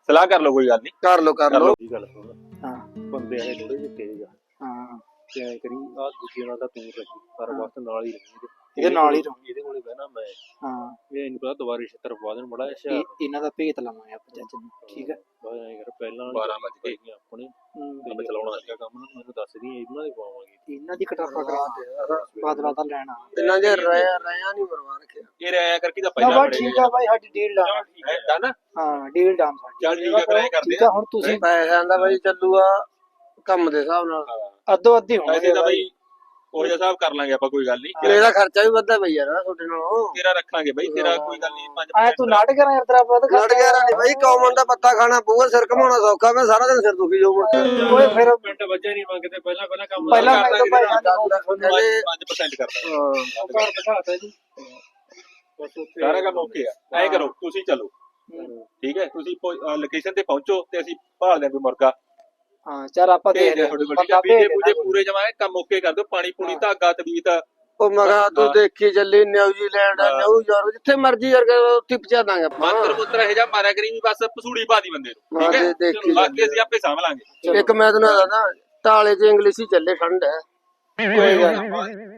ਸਲਾਹ ਕਰ ਲਓ, ਕੋਈ ਗੱਲ ਨਹੀਂ,
ਕਰ ਲੋ
ਕਰ ਲਓ।
ਕੀ ਗੱਲ ਸੁਣ,
ਹਾਂ
ਬੰਦੇ ਆਏ ਥੋੜੇ ਜਿਹੇ ਤੇਜ਼ ਆ,
ਹਾਂ
ਤੇ ਐ ਕਰੀ ਆ ਦੂਜੇ ਨਾਲ ਤਾਂ ਤੂੰ ਰਹੀ ਹਰ ਵਕਤ ਨਾਲ ਹੀ ਰਹੀ
ਇਹਦੇ ਨਾਲ ਹੀ ਰਹੂੰ।
ਇਹਦੇ ਕੋਲੇ ਬਹਿਣਾ ਮੈਂ,
ਹਾਂ
ਇਹ ਨਹੀਂ ਪਤਾ ਦੁਬਾਰੇ ਛਿੱਤਰ ਪਵਾ ਦੇਣ ਬੜਾ ਅੱਛਾ।
ਇਹਨਾਂ ਦਾ ਭੇਤ ਲਵਾਂਗੇ ਆਪਾਂ ਚਾਚੇ ਨੂੰ, ਠੀਕ ਹੈ।
ਬਾਅਦ ਐ ਕਰ ਪਹਿਲਾਂ
12 ਵੱਜ ਗਏ।
ਆਪਣੇ
ਹੂੰ।
ਤੇ
ਆਪਾਂ ਚਲਾਉਣਾ
ਸੀਗਾ ਕੰਮ ਨਾ, ਮੈਨੂੰ ਦੱਸ ਦੀ ਇਹਨਾਂ ਦੇ ਪਵਾਵਾਂਗੇ।
ਇਹਨਾਂ ਦੀ ਕਟਾਪਾ ਕਰਾਉਣਾ, ਬਾਦਲਾ ਤਾਂ ਲੈਣਾ।
ਇਹਨਾਂ ਦੇ ਰਿਆ ਨਹੀਂ ਮਰਵਾ ਰੱਖਿਆ।
ਇਹ ਰਾਇਆ ਕਰਕੇ ਤਾਂ
ਨਾ
ਪਹਿਲਾਂ
ਬਸ ਠੀਕ ਆ ਬਾਈ, ਸਾਡੀ ਡੀਲ ਡਨ।
ਡਨ।
ਹਾਂ ਡੀਲ ਡਨ ਸਾਡੀ।
ਚੱਲ ਠੀਕ ਆ, ਫਿਰ ਐਂ ਕਰਦੇ
ਠੀਕ ਆ, ਹੁਣ ਤੁਸੀਂ
ਪੈਸਿਆਂ ਦਾ ਬਾਈ ਚੱਲੂਗਾ ਕੰਮ ਦੇ ਹਿਸਾਬ ਨਾਲ।
ਅੱਧੋ ਅੱਧੀ
ਪੈਸੇ
ਹੋਣਗੇ
ਤਾਂ
ਬਾਈ।
ਬਈ ਉਹ ਜਿਹਾ ਹਿਸਾਬ ਕਰ ਲਾਂਗੇ ਆਪਾਂ, ਕੋਈ ਗੱਲ ਨਹੀਂ।
ਕਿਲੇ ਦਾ ਖਰਚਾ ਵੀ ਵੱਧਦਾ ਬਈ ਯਾਰ ਤੁਹਾਡੇ ਨਾਲੋਂ।
ਤੇਰਾ ਰੱਖਾਂਗੇ ਬਈ, ਤੇਰਾ ਕੋਈ ਗੱਲ ਨਹੀਂ। 5
ਆਏ ਤੂੰ ਨਾਟਕ ਕਰਾਂ ਯਾਰ, ਤੇਰਾ ਬਹੁਤ
ਲੜ ਗਿਆ ਨਹੀਂ ਬਾਈ, ਕੌਮਨ ਦਾ ਪੱਤਾ ਖਾਣਾ ਪਊਗਾ, ਸਿਰ ਘਮਾਉਣਾ ਸੌਖਾ, ਮੈਂ ਸਾਰਾ ਦਿਨ ਸਿਰ ਦੁਖੀ ਜਾਊ ਮੁੜ ਕੇ।
ਓਏ ਫਿਰ
ਮਿੰਟ ਬੱਚੇ ਨਹੀਂ ਮੰਗਦੇ, ਪਹਿਲਾਂ ਕੰਮ
ਪਹਿਲਾਂ ਮੈਂ ਤਾਂ ਭਾਈ
ਕਹਿੰਦੇ
5% ਕਰਦਾ।
ਹਾਂ,
ਘਰ ਦਿਖਾਤਾ ਜੀ, ਬਸ ਉੱਥੇ
ਸਾਰਾ ਕੰਮ ਓਕੇ ਆ। ਐਂ ਕਰੋ, ਤੁਸੀਂ ਚਲੋ, ਠੀਕ ਹੈ, ਤੁਸੀਂ ਲੋਕੇਸ਼ਨ ਤੇ ਪਹੁੰਚੋ ਤੇ ਅਸੀਂ ਭਾਲਦੇ ਆਂ ਕੋਈ ਮੁਰਗਾ।
ਹਾਂ ਚੱਲ ਆਪਾਂ
ਭੇਜ
ਦੇਖਦੇ
ਦੇ
ਹਾਂ
ਤੁਹਾਡੇ ਕੋਲ, ਠੀਕ
ਬੰਦਾ
ਹੈ।
ਭੇਜ
ਬੀਜੇ
ਦੇਣਾ।
ਪੂਰੇ ਜਮਾਏ, ਕੰਮ ਓਕੇ ਕਰ ਦਿਓ। ਪਾਣੀ ਪੂਣੀ, ਧਾਗਾ, ਤਵੀਤ।
ਉਹ ਮੈਂ ਕਿਹਾ ਤੂੰ ਦੇਖੀ ਚੱਲੀ ਨਿਊਜ਼ੀਲੈਂਡ ਨਿਊਯਾਰਕ ਜਿੱਥੇ ਮਰਜੀ ਯਾਰ ਉੱਥੇ ਪਹੁੰਚਾ ਦਾਂਗੇ ਆਪਾਂ।
ਮੰਤਰ ਮੁੱਤਰ ਇਹ ਜਾ ਮਾਰਿਆ ਕਰੀ ਵੀ, ਬਸ ਪਸੂੜੀ ਪਾ ਦੀ ਬੰਦੇ ਨੂੰ, ਠੀਕ ਹੈ।
ਦੇਖੀ
ਬਾਕੀ ਅਸੀਂ ਆਪੇ ਸਾਂਭ ਲਾਂਗੇ।
ਇੱਕ ਮੈਂ ਤੈਨੂੰ ਦੱਸਦਾ, ਟਾਲੇ 'ਚ ਇੰਗਲਿਸ਼ ਹੀ ਚੱਲੇ, ਠੰਡ ਹੈ।
ਕੋਈ ਗੱਲ ਨੀ।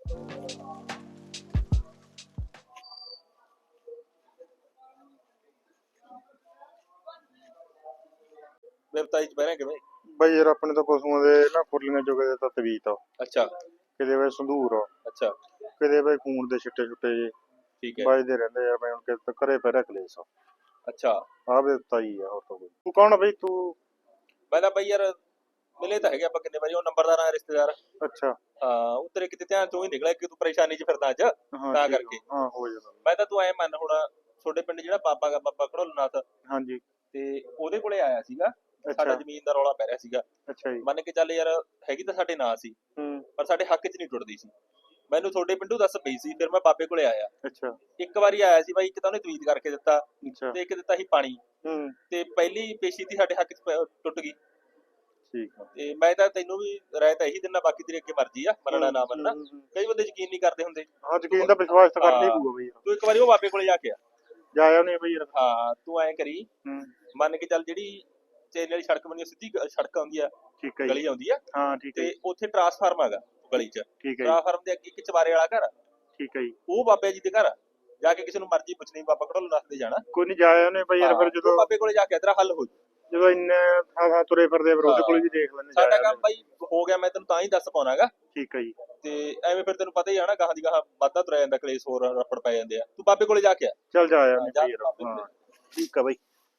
ਵੈਬਸਾਈਟ 'ਚ ਬਹਿਣਾ ਕਿਵੇਂ?
ਬਈ ਯਾਰ ਆਪਣੇ ਤਾਂ ਪਸ਼ੂਆਂ ਦੇ ਨਾ ਫੁਰਲੀਆਂ ਚੁਗੇ ਦੇ ਤਾਂ ਤਵੀਤ ਆ,
ਅੱਛਾ
ਕਿਤੇ ਵੇ ਸੰਧੂਰ ਆ,
ਅੱਛਾ,
ਕਿਤੇ ਵੇ ਖੂਨ ਦੇ ਛਿੱਟੇ ਛੁੱਟੇ ਜੇ
ਠੀਕ ਹੈ,
ਵੱਜਦੇ ਰਹਿੰਦੇ ਆ। ਬਈ ਹੁਣ ਕਿਤੇ ਘਰੇ ਪੈ ਕਲੇਸ਼ ਆ,
ਅੱਛਾ।
ਆਹ ਵੇ ਤਾਈ ਆ ਹੋਰ ਤਾਂ ਕੋਈ। ਤੂੰ ਕੌਣ ਆ ਬਈ ਤੂੰ?
ਮੈਂ ਤਾਂ ਬਈ ਯਾਰ ਮਿਲੇ ਤਾਂ ਹੈਗੇ ਆਪਾਂ ਕਿੰਨੇ ਵਾਰੀ, ਉਹ ਨੰਬਰਦਾਰ ਆ ਰਿਸ਼ਤੇਦਾਰ।
ਅੱਛਾ
ਹਾਂ, ਉਹ ਤੇਰੇ ਕਿਤੇ ਧਿਆਨ ਚੋਂ ਹੀ ਨਿਕਲਿਆ ਕਿ ਤੂੰ ਪਰੇਸ਼ਾਨੀ 'ਚ ਫਿਰਦਾ ਅੱਜ,
ਹਾਂ
ਤਾਂ
ਠੀਕ ਆ।
ਕਰਕੇ।
ਹਾਂ ਹੋ ਜਾਂਦਾ।
ਮੈਂ ਤਾਂ ਤੂੰ ਐ ਮੰਨ, ਹੁਣ ਤੁਹਾਡੇ ਪਿੰਡ ਜਿਹੜਾ ਬਾਬਾ ਗਾ, ਬਾਬਾ ਘੜੋਲਨਾਥ,
ਹਾਂਜੀ
ਤੇ ਉਹਦੇ ਕੋਲੇ ਆਇਆ ਸੀਗਾ। ਸਾਡਾ
ਅੱਛਾ
ਜ਼ਮੀਨ ਦਾ ਰੌਲਾ ਪੈ ਰਿਹਾ ਸੀਗਾ।
ਅੱਛਾ ਜੀ।
ਮੰਨ ਕੇ ਚੱਲ ਯਾਰ, ਹੈਗੀ ਤਾਂ ਸਾਡੇ ਨਾਂ ਸੀ,
ਹੂੰ
ਪਰ ਸਾਡੇ ਹੱਕ 'ਚ ਨਹੀਂ ਟੁੱਟਦੀ ਸੀ। ਮੈਨੂੰ ਤੁਹਾਡੇ ਪਿੰਡੋਂ ਦੱਸ ਪਈ ਸੀ, ਫਿਰ ਮੈਂ ਬਾਬੇ ਕੋਲੇ ਆਇਆ।
ਅੱਛਾ
ਇੱਕ ਵਾਰੀ ਆਇਆ ਸੀ ਬਾਈ, ਇੱਕ ਤਾਂ ਉਹਨੇ ਤਵੀਤ ਕਰਕੇ ਦਿੱਤਾ
ਅੱਛਾ
ਤੇ ਇੱਕ ਦਿੱਤਾ ਸੀ ਪਾਣੀ,
ਹੂੰ
ਤੇ ਪਹਿਲੀ ਪੇਸ਼ੀ ਤੀ ਸਾਡੇ ਹੱਕ 'ਚ ਟੁੱਟ ਗਈ।
ਠੀਕ ਆ।
ਤੇ ਮੈਂ ਤਾਂ ਤੈਨੂੰ ਵੀ ਰਾਇ ਤਾਂ ਇਹੀ ਦਿੰਦਾ, ਬਾਕੀ ਤੇਰੀ ਅੱਗੇ ਮਰਜ਼ੀ ਆ, ਮੰਨਣਾ ਨਾ ਮੰਨਣਾ। ਕਈ ਬੰਦੇ ਯਕੀਨ ਨਹੀਂ ਕਰਦੇ ਹੁੰਦੇ।
ਹਾਂ ਯਕੀਨ ਦਾ ਵਿਸ਼ਵਾਸ ਤਾਂ ਕਰਨਾ ਹੀ ਪਊਗਾ ਬਈ ਯਾਰ।
ਤੂੰ ਇੱਕ ਵਾਰੀ ਉਹ ਬਾਬੇ ਕੋਲੇ ਜਾ ਕੇ ਆ।
ਜਾਇਆ ਨਹੀਂ ਬਈ ਯਾਰ।
ਹਾਂ, ਤੂੰ ਐਂ ਕਰੀ,
ਹੂੰ
ਮੰਨ ਕੇ ਚੱਲ ਜਿਹੜੀ ਚੇਲੇ ਵਾਲੀ ਸੜਕ ਬਣੀ, ਸਿੱਧੀ ਸੜਕ ਆਉਂਦੀ ਆ,
ਠੀਕ ਹੈ
ਗਲੀ
ਜੀ।
ਆਉਂਦੀ ਆ,
ਹਾਂ ਠੀਕ ਹੈ
ਤੇ
ਜੀ।
ਉੱਥੇ ਟਰਾਂਸਫਾਰਮ ਹੈਗਾ ਗਲੀ 'ਚ।
ਠੀਕ ਹੈ ਜੀ।
ਟਰਾਂਸਫਾਰਮ ਦੇ ਅੱਗੇ ਇੱਕ ਚਵਾਰੇ ਵਾਲਾ ਘਰ ਆ,
ਠੀਕ ਹੈ ਜੀ।
ਉਹ ਬਾਬੇ ਜੀ ਦੇ ਘਰ ਆ। ਜਾ ਕੇ ਕਿਸੇ ਨੂੰ ਮਰਜ਼ੀ ਪੁੱਛਣੀ, ਬਾਬਾ ਘੜੋਲਨਾਥ ਦੇ ਜਾਣਾ।
ਕੋਈ ਨਹੀਂ ਜਾਇਆ ਨਹੀਂ ਬਈ ਯਾਰ। ਫਿਰ
ਹਾਂ,
ਜਦੋਂ
ਉਹ ਬਾਬੇ ਕੋਲੇ ਜਾ ਕੇ ਤੇਰਾ ਹੱਲ ਹੋ ਜੂ।
ਜਦੋਂ ਇੰਨੇ ਥਾਂ ਤੁਰੇ ਫਿਰਦੇ ਆ, ਫਿਰ ਉਹਦੇ ਕੋਲ ਵੀ ਦੇਖ ਲੈਣੇ।
ਸਾਡਾ ਕੰਮ ਬਾਈ ਹੋ ਗਿਆ, ਮੈਂ ਤੈਨੂੰ ਤਾਂ ਹੀ ਦੱਸ ਪਾਉਣਾਗਾ।
ਠੀਕ ਹੈ ਜੀ।
ਤੇ ਐਵੇਂ ਫਿਰ ਤੈਨੂੰ ਪਤਾ ਹੀ ਆ ਨਾ, ਗਾਹਾਂ ਦੀ ਗਾਹਾਂ ਵਾਧਾ ਤੁਰਿਆ ਜਾਂਦਾ, ਕਲੇਸ਼ ਹੋਰ ਰੱਪੜ ਪੈ ਜਾਂਦੇ ਆ। ਤੂੰ ਬਾਬੇ ਕੋਲੇ ਜਾ ਕੇ ਆ।
ਚੱਲ ਜਾਇਆ ਨਹੀਂ
ਜਾ
ਬਈ ਯਾਰ।
ਬਾਬੇ ਕੋਲੇ।
ਹਾਂ ਠੀਕ ਆ ਬਈ।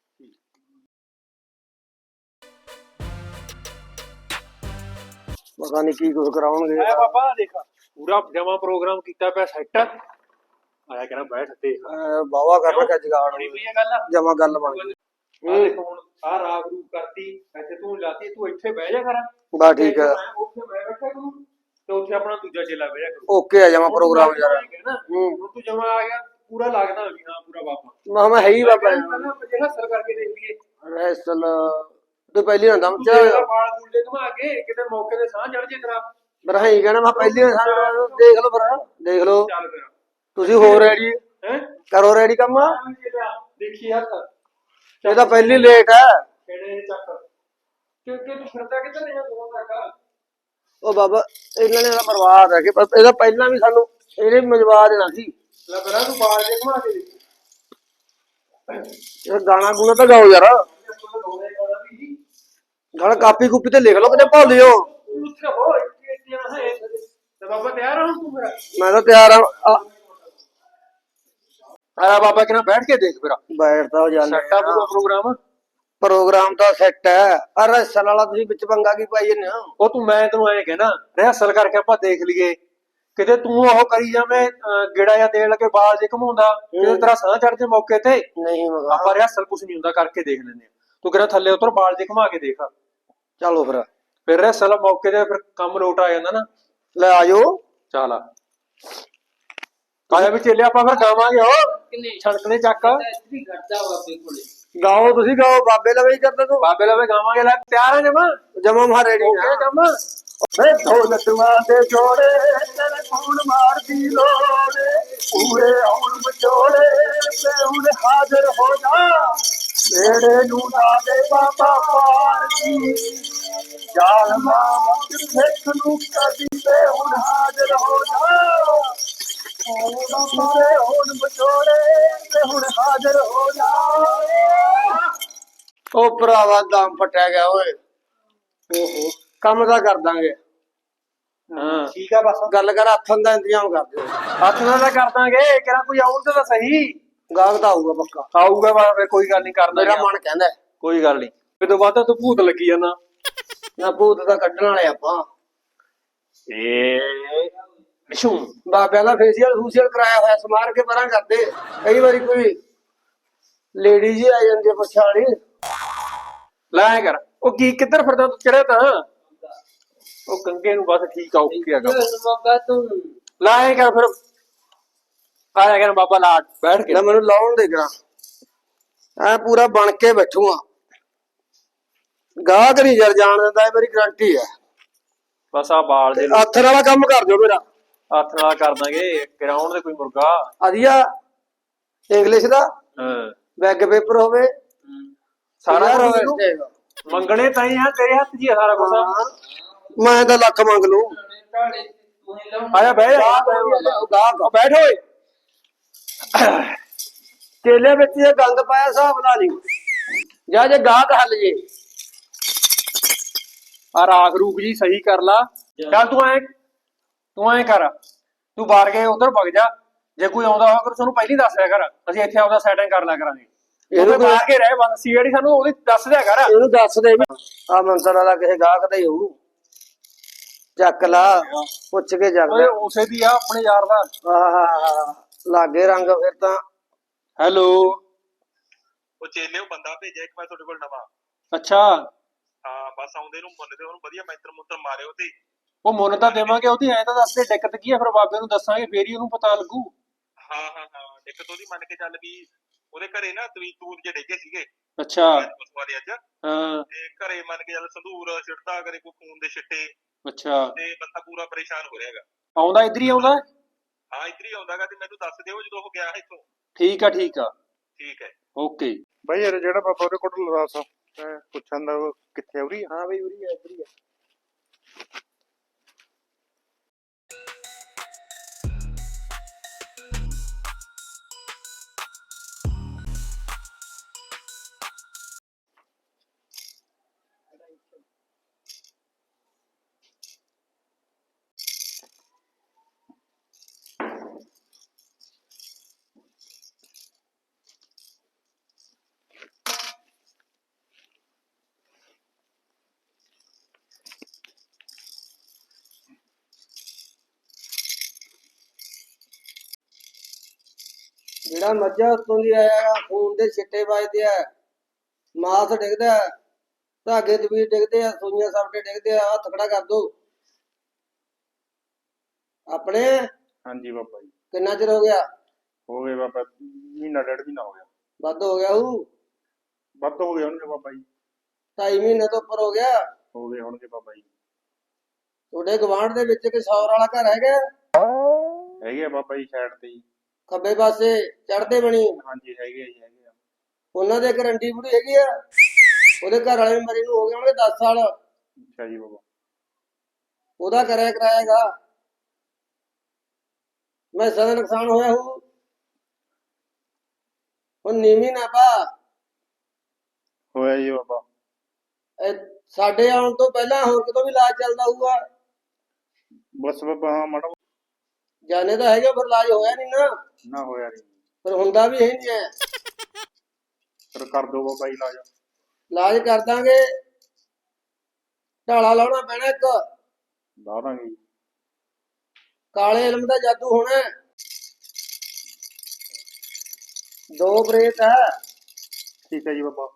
ਪਤਾ ਨਹੀਂ ਕੀ ਕੁਝ ਕਰਾਉਣਗੇ।
ਆਇਆ ਬਾਬਾ ਦੇਖ,
ਪੂਰਾ ਜਮਾ ਪ੍ਰੋਗਰਾਮ ਕੀਤਾ ਪਿਆ ਸੈੱਟ। ਆਇਆ ਕਹਿੰਦਾ ਬੈਠ ਤੇ
ਬਾਵਾ ਕਰ ਰੱਖਿਆ ਜਗਾੜ,
ਬਣੀ ਪਈ ਇਹ ਗੱਲ।
ਜਮਾ ਗੱਲ ਬਣ ਗਈ।
ਆਹ ਦੇਖ ਹੁਣ ਆਹ ਰਾਗ ਰੂਪ ਕਰਤੀ, ਇੱਥੇ ਤੂੰ ਲਾਤੀ, ਤੂੰ ਇੱਥੇ ਬਹਿ ਜਾ ਕਰ।
ਬਾ ਠੀਕ ਆ,
ਉੱਥੇ ਮੈਂ ਬੈਠਾ ਕਰੂੰ ਤੇ ਉੱਥੇ ਆਪਣਾ ਦੂਜਾ ਚੇਲਾ ਬਹਿ ਜਾ ਕਰੂ।
ਓਕੇ ਆ ਜਮਾ ਪ੍ਰੋਗਰਾਮ ਯਾਰ।
ਹੁਣ ਤੂੰ ਜਮਾ ਆ ਗਿਆ, ਪੂਰਾ ਲੱਗਦਾ ਵੀ ਹਾਂ ਪੂਰਾ ਬਾਬਾ।
ਮੈਂ ਹੈ ਹੀ ਬਾਬਾ
ਪਹਿਲਾਂ ਆਪਾਂ ਜਿਹੜਾ ਅਸਰ ਕਰਕੇ ਦੇਖ ਲਈਏ।
ਰੈਸਲ ਤੇ ਪਹਿਲੀ ਨਾ ਦਮ ਚ
ਤੇਰਾ ਬਾਲ ਬੂਲ ਜੇ ਘੁਮਾ ਕੇ ਕਿਤੇ ਮੌਕੇ ਤੇ ਸਾਹ ਚੜ ਜੇ ਤੇਰਾ।
ਮੇਰਾ ਹੈ ਹੀ ਕਹਿਣਾ, ਮੈਂ ਪਹਿਲੀ ਦੇਖ ਲਓ, ਫਿਰ ਦੇਖ ਲਓ
ਚੱਲ ਫਿਰ
ਤੁਸੀਂ। ਹੋ ਰੈਡੀ?
ਹੈ
ਕਰੋ ਰੈਡੀ ਕੰਮ।
ਦੇਖੀ ਹੱਥ
ਇਹ ਤਾਂ ਪਹਿਲੀ ਲੇਟ ਹੈ।
ਕਿਹੜੇ ਚੱਕ ਕਿ ਤੂੰ ਫਿਰਦਾ ਕਿੱਧਰ ਨਹੀਂ ਜਾਂਦਾ ਤੱਕ।
ਉਹ ਬਾਬਾ ਇਹਨਾਂ ਨੇ ਤਾਂ ਬਰਬਾਦ ਹੈ ਕਿ ਇਹਦਾ ਪਹਿਲਾਂ ਵੀ ਸਾਨੂੰ ਇਹਨੇ ਮਜਵਾ ਦੇਣਾ ਸੀ।
ਲੈ ਬਰਾ ਤੂੰ ਬਾਲ ਜੇ ਘੁਮਾ ਕੇ ਦੇਖ।
ਇਹ ਗਾਣਾ ਗੁਣਾ ਤਾਂ ਗਾਓ ਯਾਰ। ਗਾਣਾ ਕਾਪੀ ਕੁੱਪੀ ਤੇ ਲਿਖ ਲਓ, ਕਿਤੇ ਭੁੱਲ ਲਿਓ।
ਉੱਥੇ ਹੋ ਇੱਥੇ ਹੈ ਤੇ ਬਾਬਾ ਤਿਆਰ ਹੋ ਤੂੰ ਮੇਰਾ।
ਮੈਂ ਤਾਂ ਤਿਆਰ ਆ।
ਆਇਆ ਬਾਬਾ ਕਿਨਾਂ ਬੈਠ ਕੇ ਦੇਖ ਮੇਰਾ।
ਬੈਠਦਾ ਹੋ ਜਾਂਦਾ
ਸੈੱਟ ਆ ਪੂਰਾ ਪ੍ਰੋਗਰਾਮ।
ਪ੍ਰੋਗਰਾਮ ਤਾਂ ਸੈੱਟ ਹੈ। ਅਰੇ ਸਨ ਵਾਲਾ ਤੁਸੀਂ ਵਿੱਚ ਪੰਗਾ ਕੀ ਪਾਈ ਜੰਨੇ ਹੋ?
ਉਹ ਤੂੰ ਮੈਂ ਤੈਨੂੰ ਐਂ ਕਹਿਣਾ ਰਿਹਰਸਲ ਕਰਕੇ ਆਪਾਂ ਦੇਖ ਲਈਏ। ਕਿਤੇ ਤੂੰ ਉਹ ਕਰੀ ਜਾਵੇਂ ਗੇੜਾ ਜਾਂ ਦੇਣ ਲੱਗੇ ਬਾਲ ਜੇ ਘਮਾਉਂਦਾ, ਕਿਤੇ ਤੇਰਾ ਸਾਹ ਚੜ ਜੇ ਮੌਕੇ ਤੇ।
ਨਹੀਂ ਮਗਾ
ਆਪਾਂ ਰਿਹਰਸਲ ਕੁਛ ਨਹੀਂ ਹੁੰਦਾ, ਕਰਕੇ ਦੇਖ ਲੈਂਦੇ ਆ। ਤੂੰ ਕਿਹੜਾ ਥੱਲੇ ਉਤਰ ਬਾਲ ਜੇ ਘਮਾ ਕੇ ਦੇਖ।
ਚਲੋ ਫਿਰ
ਰਿਹਰਸਲ ਮੌਕੇ ਤੇ ਫਿਰ ਕੰਮ ਲੋਟ ਆ ਜਾਂਦਾ ਨਾ।
ਲੈ ਆਜੋ।
ਚੱਲ ਆਇਆ ਵੀ ਚੇਲੇ ਆਪਾਂ ਫਿਰ ਗਾਵਾਂਗੇ। ਉਹ
ਕਿੰਨੇ
ਛਣਕਲੇ ਚੱਕ
ਇੱਥੇ ਘਟਦਾ ਬਾਬੇ ਕੋਲੇ।
ਗਾਓ ਤੁਸੀਂ ਗਾਓ, ਬਾਬੇ ਲਵੇ ਹੀ ਕਰਦਾ ਤੂੰ।
ਬਾਬੇ ਲਵੇ ਗਾਵਾਂਗੇ। ਲੈ ਤਿਆਰ ਆ ਜਮਾ
ਜਮਾ ਮਾ ਰੈਡੀ
ਓਕੇ ਕੰਮ।
ਵੇ ਢੋਲਕਵਾਂ ਦੇ ਜੋੜੇ ਤੇਰੇ ਫੋਨ ਮਾਰਦੀ ਲੋੜੇ, ਪੂਰੇ ਆਉਣ ਵਿਚੋਲੇ ਤੇ ਹੁਣ ਹਾਜ਼ਰ ਹੋ ਜਾ। ਨੇੜੇ ਨੂੰ ਨਾ ਦੇ ਬਾਬਾ ਪਾਰ ਜੀ ਜਾਲਮਾ ਸਿੱਖ ਨੂੰ ਕਦੀ ਤੇ ਹੁਣ ਹਾਜ਼ਰ ਹੋ ਜਾ ਹੁਣ ਵਿਛੋੜੇ ਤੇ ਹੁਣ ਹਾਜ਼ਰ ਹੋ ਜਾ। ਉਹ ਭਰਾਵਾ ਦਮ ਫਟਿਆ ਗਿਆ ਓਏ। ਓਹੋ ਕੰਮ ਤਾਂ ਕਰ ਦਾਂਗੇ।
ਹਾਂ
ਠੀਕ ਆ ਬਸ
ਗੱਲ ਕਰ ਹੱਥਾਂ ਦਾ ਇੰਤਜ਼ਾਮ ਕਰ ਦਿਓ।
ਹੱਥ ਨਾਲ ਤਾਂ ਕਰ ਦਾਂਗੇ ਕਿਹੜਾ ਕੋਈ ਆਉਣ ਤਾਂ ਸਹੀ
ਗਾਹਕ ਤਾਂ ਆਊਗਾ ਪੱਕਾ।
ਆਊਗਾ ਵਾ ਕੋਈ ਗੱਲ ਨਹੀਂ ਕਰਦਾ
ਮੇਰਾ ਮਨ ਕਹਿੰਦਾ
ਕੋਈ ਗੱਲ ਨਹੀਂ ਇਹ ਤੋਂ ਬਾਅਦ ਤੂੰ ਭੂਤ ਲੱਗੀ ਜਾਂਦਾ
ਨਾ ਭੂਤ ਦਾ ਕੱਢਣ ਵਾਲੇ ਆਪਾਂ
ਏ
ਬਾਬਿਆਂ ਦਾ ਫੇਸ਼ੀਅਲ ਕਰਾਇਆ ਹੋਇਆ ਸਮਾਰ ਕੇ ਪਰਾਂ ਕਰਦੇ। ਕਈ ਵਾਰੀ ਕੋਈ ਲੇਡੀ ਜੀ ਆ ਜਾਂਦੀ ਹੈ ਪਛਾਣੀ।
ਲੈ ਕਰ ਉਹ ਕੀ ਕਿੱਧਰ ਫਿਰਦਾ ਤੂੰ ਚੜਿਆ ਤਾਂ ਉਹ ਕੰਗੇ ਨੂੰ ਬਸ ਠੀਕ ਆ ਓਕੇ ਆ ਕੰਮ
ਬਾਬਾ ਤੂੰ
ਲੈ ਕਰ ਫਿਰ ਆਇਆ ਕਰ ਬਾਬਾ ਲਾ ਬੈਠ ਕੇ
ਨਾ ਮੈਨੂੰ ਲਾਉਣ ਦੇ ਕਰਾਂ ਐ ਪੂਰਾ ਬਣ ਕੇ ਬੈਠੂਆ। ਗਾਹਕ ਨਹੀਂ ਯਾਰ ਜਾਣ ਦਿੰਦਾ ਇਹ ਮੇਰੀ ਗਰੰਟੀ ਹੈ।
ਬਸ ਆ ਬਾਲ ਦੇ
ਹੱਥ ਵਾਲਾ ਕੰਮ ਕਰ ਦਿਓ ਮੇਰਾ।
ਹੱਥ ਨਾਲ ਕਰ ਦਾਂਗੇ ਗਰਾਊਂਡ ਦੇ ਕੋਈ ਮੁਰਗਾ
ਵਧੀਆ ਇੰਗਲਿਸ਼ ਦਾ
ਹਾਂ
ਬੈਗ ਪੇਪਰ ਹੋਵੇ
ਸਾਰਾ
ਯਾਰ
ਕੁਝ
ਹੋਵੇ।
ਮੰਗਣੇ ਤਾਂ ਹੀ ਆ ਤੇਰੇ ਹੱਥ 'ਚ ਹੀ ਆ ਸਾਰਾ ਕੁਝ
ਮੈਂ ਤਾਂ ਲੱਖ ਮੰਗ ਲੂ।
ਢਾਲੇ ਤੂੰ ਹੀ ਲਾਉਣ
ਆਇਆ ਬਹਿ ਜਾ
ਗਾਹਕ
ਬੈਠ ਓਏ
ਕੇਲੇ ਵਿੱਚ ਇਹ ਗੰਦ ਪਾਇਆ ਹਿਸਾਬ ਨਾਲ ਨਹੀਂ ਜਾਂ ਜੇ ਗਾਹਕ ਹੱਲ ਜੇ।
ਆ ਰਾਖ ਰੂਖ ਜੀ ਸਹੀ ਕਰ ਲਾ ਚੱਲ ਤੂੰ ਐ ਕਰ ਤੂੰ ਬਾਹਰ ਗਏ ਉਧਰ ਵਗ ਜਾ ਜੇ ਕੋਈ ਆਉਂਦਾ ਹੋਵੇ ਸਾਨੂੰ ਪਹਿਲਾਂ ਦੱਸ ਦਿਆ ਕਰ ਅਸੀਂ ਇੱਥੇ ਆਉਂਦਾ ਸੈਟਿੰਗ ਕਰ ਲਿਆ ਕਰਾਂਗੇ ਇਹਨੂੰ ਬਾਹਰ ਕੇ ਰਹਿ ਬਸ ਸੀਆਈਡੀ ਸਾਨੂੰ ਉਹਦੀ ਦੱਸ ਦਿਆ ਕਰ
ਇਹਨੂੰ ਦੱਸ ਦੇ ਵੀ ਆ ਮੰਤਰ ਵਾਲਾ ਕਿਸੇ ਗਾਹਕ ਦਾ ਹੀ ਹੋਊ। ਚੱਕ ਲਾ ਪੁੱਛ ਕੇ
ਓਏ
ਜਾਂਦਾ।
ਉਸੇ ਦੀ ਆ ਆਪਣੇ ਯਾਰ ਦਾ
ਆਹ ਲਾਗੇ ਰੰਗ ਫਿਰ ਤਾਂ।
ਹੈਲੋ
ਉਹ ਚੇਲੇ ਉਹ ਬੰਦਾ ਭੇਜਿਆ ਇੱਕ ਮੈਂ ਤੁਹਾਡੇ ਕੋਲ ਨਵਾਂ।
ਅੱਛਾ
ਹਾਂ ਬਸ ਆਉਂਦੇ ਨੂੰ ਮੁੰਨ ਦੇ ਉਹਨੂੰ ਵਧੀਆ ਮੰਤਰ ਮਾਰਿਓ ਤੇ
ਉਹ ਮੁੱਲ ਤਾਂ ਦੇਵਾਂਗੇ ਉਹਦੀ ਐ ਤਾਂ ਦੱਸ ਦੇ ਦਿੱਕਤ ਕੀ ਆ ਫਿਰ ਬਾਬੇ ਨੂੰ ਦੱਸਾਂਗੇ ਫੇਰ ਹੀ ਉਹਨੂੰ ਪਤਾ ਲੱਗੂ
ਹਾਂ ਦਿੱਕਤ ਉਹਦੀ ਮੰਨ ਕੇ ਚੱਲ ਵੀ ਉਹਦੇ ਘਰੇ ਨਾ ਤੂਤ ਜੇ ਡੇਗੇ ਸੀਗੇ
ਅੱਛਾ
ਉਸ ਵਾਲੇ ਅੱਜ
ਹਾਂ
ਤੇ ਘਰੇ ਮੰਨ ਕੇ ਚੱਲ ਸੰਧੂਰ ਛਿੜਦਾ ਕਰੇ ਕੋਈ ਖੂਨ ਦੇ ਛਿੱਟੇ
ਅੱਛਾ
ਤੇ ਬੰਦਾ ਪੂਰਾ ਪਰੇਸ਼ਾਨ ਹੋ ਰਿਹਾਗਾ।
ਆਉਂਦਾ ਇੱਧਰ ਹੀ ਆਉਂਦਾ
ਹਾਂ ਇੱਧਰ ਹੀ ਆਉਂਦਾਗਾ ਤੇ ਮੈਨੂੰ ਦੱਸ ਦਿਓ ਜਦੋਂ ਉਹ ਗਿਆ ਇੱਥੋਂ।
ਠੀਕ ਆ
ਠੀਕ ਹੈ
ਓਕੇ
ਬਾਈ ਯਾਰ ਜਿਹੜਾ ਬਾਬਾ ਉਹਦੇ ਕੋਲ ਲਵਾਸ ਪੁੱਛਣ ਦਾ ਕਿੱਥੇ ਉਰੀ ਆ?
ਹਾਂ ਬਈ ਉਰੀ ਆ ਇੱਧਰ ਹੀ ਆ।
ਜਿਹੜਾ ਮੱਝਾਂ ਉੱਤੋਂ ਦੀ ਆਇਆ ਖੂਨ ਦੇ ਛਿੱਟੇ ਵੱਜਦੇ ਆ ਮਾਸ ਡਿੱਗਦਾ ਧਾਗੇ ਤਵੀਰ ਡਿੱਗਦੇ ਆ ਸੂਈਆਂ ਸਾਪਟੇ ਡਿੱਗਦੇ ਆ ਹੱਥ ਖੜਾ ਕਰ ਦੋ ਆਪਣੇ।
ਹਾਂਜੀ ਬਾਬਾ ਜੀ
ਕਿੰਨਾ ਚਿਰ ਹੋ ਗਿਆ?
ਹੋ ਗਏ ਬਾਬਾ ਮਹੀਨਾ ਡੇਢ ਮਹੀਨਾ ਹੋ ਗਿਆ।
ਵੱਧ ਹੋ ਗਿਆ ਹੂ
ਵੱਧ ਹੋ ਗਏ ਹੋਣਗੇ ਬਾਬਾ ਜੀ।
2.5 ਮਹੀਨੇ ਤੋਂ ਉੱਪਰ ਹੋ ਗਿਆ।
ਹੋ ਗਏ ਹੋਣਗੇ ਬਾਬਾ ਜੀ।
ਤੁਹਾਡੇ ਗਵਾਂਢ ਦੇ ਵਿੱਚ ਕੋਈ ਸੌਰ ਵਾਲਾ ਘਰ ਹੈਗਾ?
ਹੈਗੇ ਆ ਬਾਬਾ ਜੀ ਸਾਈਡ ਤੇ ਜੀ।
ਖੱਬੇ ਪਾਸੇ ਚੜ੍ਹਦੇ ਬਣੀ
ਹਾਂਜੀ ਹੈਗੇ ਆ ਜੀ ਹੈਗੇ ਆ।
ਉਹਨਾਂ ਦੇ ਗਰੰਟੀ ਪੂਰੀ ਹੈਗੀ ਆ। ਉਹਦੇ ਘਰ ਵਾਲੇ ਮਰੇ ਨੂੰ ਹੋ ਗਏ ਹੋਣਗੇ 10 ਸਾਲ।
ਅੱਛਾ ਜੀ ਬਾਬਾ।
ਉਹਦਾ ਕਰਿਆ ਕਰਾਏਗਾ ਮੈਂ ਸਦਾ ਨੁਕਸਾਨ ਹੋਇਆ ਹੂੰ। ਹੁਣ ਨੀਵੀਂ ਨਾ ਪਾ।
ਹੋਇਆ ਜੀ ਬਾਬਾ।
ਸਾਡੇ ਆਉਣ ਤੋਂ ਪਹਿਲਾਂ ਹੋਰ ਕਿਤੋਂ ਵੀ ਇਲਾਜ ਚੱਲਦਾ ਹੋਊਗਾ?
ਬਸ ਬਾਬਾ ਹਾਂ ਮਾੜਾ
ਜਾਣੇ ਤਾਂ ਹੈਗਾ ਪਰ ਇਲਾਜ ਹੋਇਆ ਨਹੀਂ ਨਾ।
ਨਾ ਹੋਇਆ ਨਹੀਂ
ਪਰ ਹੁੰਦਾ ਵੀ ਹੈ ਨਹੀਂ ਹੈ।
ਫਿਰ ਕਰ ਦੋ ਬਾਬਾ ਜੀ ਇਲਾਜ।
ਇਲਾਜ ਕਰ ਦਾਂਗੇ। ਢਾਲਾ ਲਾਉਣਾ ਪੈਣਾ ਇੱਕ।
ਲਾ ਦਾਂਗੇ ਜੀ।
ਕਾਲੇ ਇਲਮ ਦਾ ਜਾਦੂ ਹੋਣਾ। 2 ਬਰੇਤ ਹੈ।
ਠੀਕ ਹੈ ਜੀ ਬਾਬਾ।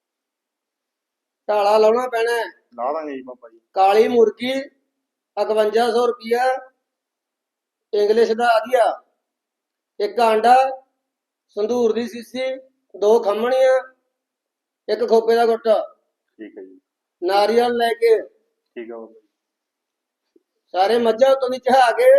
ਢਾਲਾ ਲਾਉਣਾ ਪੈਣਾ।
ਲਾ ਦਾਂਗੇ ਜੀ ਬਾਬਾ ਜੀ।
ਕਾਲੀ ਮੁਰਗੀ 5100 ਰੁਪਿਆ ਇੰਗਲਿਸ਼ ਦਾ ਆਧਿਆ। ਇੱਕ ਆਂਡਾ ਸੰਧੂਰ ਦੀ ਸੀਸੀ 2 ਖੰਮਣੀਆਂ ਇੱਕ ਖੋਪੇ ਦਾ ਗੁੱਟ
ਠੀਕ ਹੈ ਜੀ।
ਨਾਰੀਅਲ ਲੈ ਕੇ
ਠੀਕ ਹੈ ਬਾਬਾ ਜੀ।
ਸਾਰੇ ਮੱਝਾਂ ਉੱਤੋਂ ਦੀ ਚੜਾ ਕੇ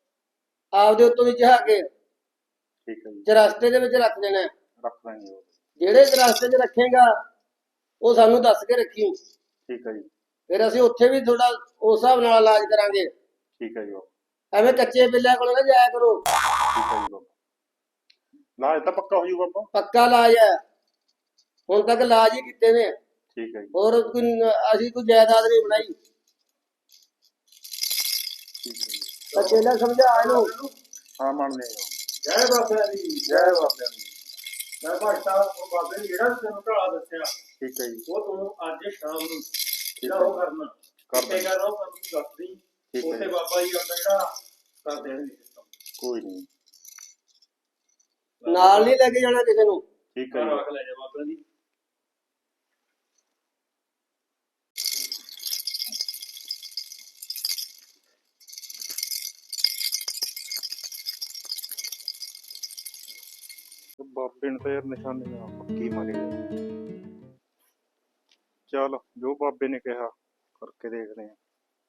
ਆਪਦੇ ਉੱਤੋਂ ਦੀ ਚੜਾ ਕੇ
ਠੀਕ ਹੈ ਜੀ।
ਚਰਸਤੇ ਦੇ ਵਿੱਚ ਰੱਖ ਦੇਣਾ।
ਰੱਖ ਦਾਂਗੇ ਬਾਬਾ।
ਜਿਹੜੇ ਰਸਤੇ 'ਚ ਰੱਖੇਗਾ ਉਹ ਸਾਨੂੰ ਦੱਸ ਕੇ ਰੱਖੀ,
ਠੀਕ ਹੈ ਜੀ,
ਫਿਰ ਅਸੀਂ ਉੱਥੇ ਵੀ ਥੋੜਾ ਉਸ ਹਿਸਾਬ ਨਾਲ ਇਲਾਜ ਕਰਾਂਗੇ।
ਠੀਕ ਹੈ ਜੀ ਬਾਬਾ,
ਐਵੇਂ ਕੱਚੇ ਬਿੱਲਿਆਂ ਕੋਲ ਨਾ ਜਾਇਆ ਕਰੋ,
ਠੀਕ ਹੈ ਜੀ ਬਾਬਾ। ਇਲਾਜ ਤਾਂ ਪੱਕਾ ਹੋ ਜੂ ਬਾਬਾ।
ਪੱਕਾ ਇਲਾਜ ਹੈ, ਹੁਣ ਤੱਕ ਇਲਾਜ ਹੀ ਕੀਤੇ ਨੇ,
ਠੀਕ ਹੈ ਜੀ,
ਹੋਰ ਅਸੀਂ ਕੋਈ ਜਾਇਦਾਦ ਨਹੀਂ ਬਣਾਈ।
ਠੀਕ ਹੈ ਜੀ।
ਤਾਂ ਪਹਿਲਾਂ ਸਮਝਾ ਇਹਨੂੰ।
ਹਾਂ ਮੰਨਦੇ ਹਾਂ।
ਜੈ ਬਾਬਾ ਦੀ
ਜੈ ਬਾਬਾ ਜੀ।
ਮੈਂ ਭਗਤਾ ਬਾਬੇ ਨੇ ਜਿਹੜਾ ਤੈਨੂੰ ਢਾਲਾ ਦੱਸਿਆ
ਠੀਕ ਹੈ ਜੀ,
ਉਹ ਤੂੰ ਅੱਜ ਸ਼ਾਮ ਨੂੰ
ਠੀਕ
ਜਿਹੜਾ
ਹੈ
ਉਹ ਕਰਨਾ
ਕਰ
ਕਿੱਥੇ
ਦਾਂਗੇ।
ਕਰਨਾ ਉਹ ਸਾਨੂੰ ਦੱਸ ਦੀ।
ਠੀਕ ਹੈ
ਉੱਥੇ
ਜੀ,
ਬਾਬਾ ਜੀ ਆਪਣਾ ਜਿਹੜਾ ਕਰ ਦੇਣਗੇ system।
ਕੋਈ ਨਹੀਂ,
ਨਾਲ ਨਹੀਂ ਲੈ ਕੇ ਜਾਣਾ ਕਿਸੇ ਨੂੰ।
ਠੀਕ ਹੈ
ਘਰ
ਜੀ,
ਰੱਖ ਲੈ ਜਾ ਬਾਬਾ ਦੀ।
ਬਾਬੇ ਨੇ ਤਾਂ ਯਾਰ ਨਿਸ਼ਾਨੀਆਂ ਪੱਕੀ ਮਾਰੀ ਆ। ਚਲ ਜੋ ਬਾਬੇ ਨੇ ਕਿਹਾ ਕਰਕੇ ਦੇਖਦੇ ਆ।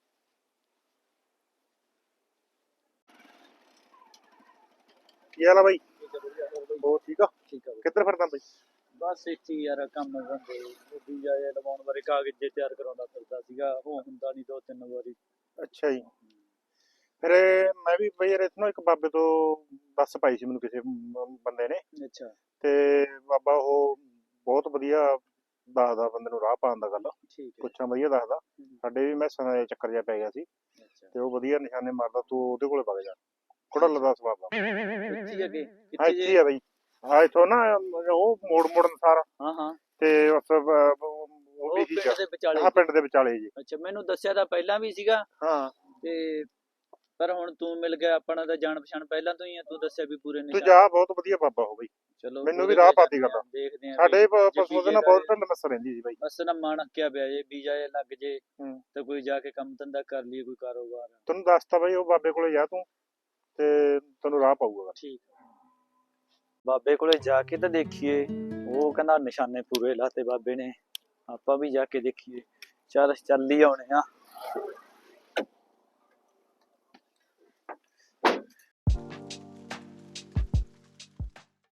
ਕੀ ਹਾਲ ਆ ਬਾਈ? ਹੋਰ ਠੀਕ ਆ?
ਠੀਕ ਆ
ਕਿੱਧਰ ਫਿਰਦਾ ਬਾਈ?
ਬਸ ਇੱਥੇ ਹੀ ਯਾਰ ਕੰਮ ਧੰਦੇ ਵੀਜ਼ਾ ਜਿਹਾ ਲਵਾਉਣ ਬਾਰੇ ਕਾਗਜ਼ ਜੇ ਤਿਆਰ ਕਰਾਉਂਦਾ ਫਿਰਦਾ ਸੀਗਾ, ਉਹ ਹੁੰਦਾ ਨਹੀਂ 2-3 ਵਾਰੀ।
ਅੱਛਾ ਜੀ। ਫਿਰ ਮੈਂ ਵੀ ਬਈ ਯਾਰ ਇੱਥੋਂ ਇੱਕ ਬਾਬੇ ਤੋਂ ਬੱਸ ਪਾਈ ਸੀ ਮੈਨੂੰ ਕਿਸੇ ਬੰਦੇ ਨੇ,
ਅੱਛਾ
ਤੇ ਬਾਬਾ ਉਹ ਬਹੁਤ ਵਧੀਆ ਦੱਸਦਾ ਬੰਦੇ ਨੂੰ ਰਾਹ ਪਾਉਣ ਦਾ ਗੱਲ,
ਠੀਕ ਹੈ।
ਪੁੱਛਾਂ ਵਧੀਆ ਦੱਸਦਾ। ਸਾਡੇ ਵੀ ਮੈਸਾਂ ਦਾ ਚੱਕਰ ਜਿਹਾ ਪੈ ਗਿਆ ਸੀ
ਅੱਛਾ
ਤੇ ਉਹ ਵਧੀਆ ਨਿਸ਼ਾਨੇ ਮਾਰਦਾ, ਤੂੰ ਉਹਦੇ ਕੋਲੇ ਵਗ ਜਾ। ਕੁੜਲ ਦਾ ਸਵਾਬ ਆ।
ਇੱਥੇ ਹੀ ਅੱਗੇ
ਹਾਂ ਇੱਥੇ ਹੀ ਆ ਬਈ, ਹਾਂ ਇੱਥੋਂ ਨਾ ਉਹ ਮੋੜਨ ਸਾਰਾ
ਹਾਂ ਹਾਂ
ਤੇ ਉਸ ਉਹ
ਉਹ
ਵੀ
ਪਿੰਡ ਦੇ ਵਿਚਾਲੇ।
ਹਾਂ ਪਿੰਡ ਦੇ ਵਿਚਾਲੇ ਜੀ।
ਅੱਛਾ ਮੈਨੂੰ ਦੱਸਿਆ ਤਾਂ ਪਹਿਲਾਂ ਵੀ ਸੀਗਾ
ਹਾਂ
ਤੇ ਪਰ ਹੁਣ ਤੂੰ ਮਿਲ ਗਿਆ, ਆਪਣਾ ਤਾਂ ਜਾਣ ਪਛਾਣ ਪਹਿਲਾਂ ਤੋਂ ਹੀ ਆ, ਤੂੰ ਦੱਸਿਆ ਵੀ ਪੂਰੇ
ਤੂੰ
ਨਿਸ਼ਾਨ।
ਜਾ, ਬਹੁਤ ਵਧੀਆ ਬਾਬਾ ਹੋ ਬਈ।
ਚਲੋ
ਮੈਨੂੰ
ਉਹਦੇ
ਵੀ ਰਾਹ
ਕੋਲੇ
ਪਾਤੀ
ਜਾਂਦੇ
ਗੱਲ।
ਆ, ਦੇਖਦੇ ਆ
ਸਾਡੇ
ਵੀ ਜੇ
ਪਸ਼ੂ ਦੇ ਨਾ
ਵੀਜ਼ੇ
ਬਹੁਤ
ਦਾ
ਢਿੱਲ ਮੱਸ ਰਹਿੰਦੀ ਸੀ ਬਾਈ।
ਬਸ ਨਾ ਮਨ ਅੱਕਿਆ ਪਿਆ ਜੇ ਵੀਜ਼ਾ ਜੇ ਲੱਗ ਜੇ
ਹੂੰ।
ਤਾਂ ਕੋਈ ਜਾ ਕੇ ਕੰਮ ਧੰਦਾ ਕਰ ਲਈਏ, ਕੋਈ ਕਾਰੋਬਾਰ।
ਤੈਨੂੰ ਦੱਸਤਾ ਬਾਈ ਉਹ ਬਾਬੇ ਕੋਲੇ ਜਾ ਤੂੰ, ਤੇ ਤੈਨੂੰ ਰਾਹ ਪਾਊਗਾ।
ਠੀਕ ਬਾਬੇ ਕੋਲੇ ਜਾ ਕੇ ਤਾਂ ਦੇਖੀਏ, ਉਹ ਕਹਿੰਦਾ ਨਿਸ਼ਾਨੇ ਪੂਰੇ ਲਾਤੇ ਬਾਬੇ ਨੇ, ਆਪਾਂ ਵੀ ਜਾ ਕੇ ਦੇਖੀਏ। ਚੱਲ ਹੀ ਆਉਣੇ ਆ।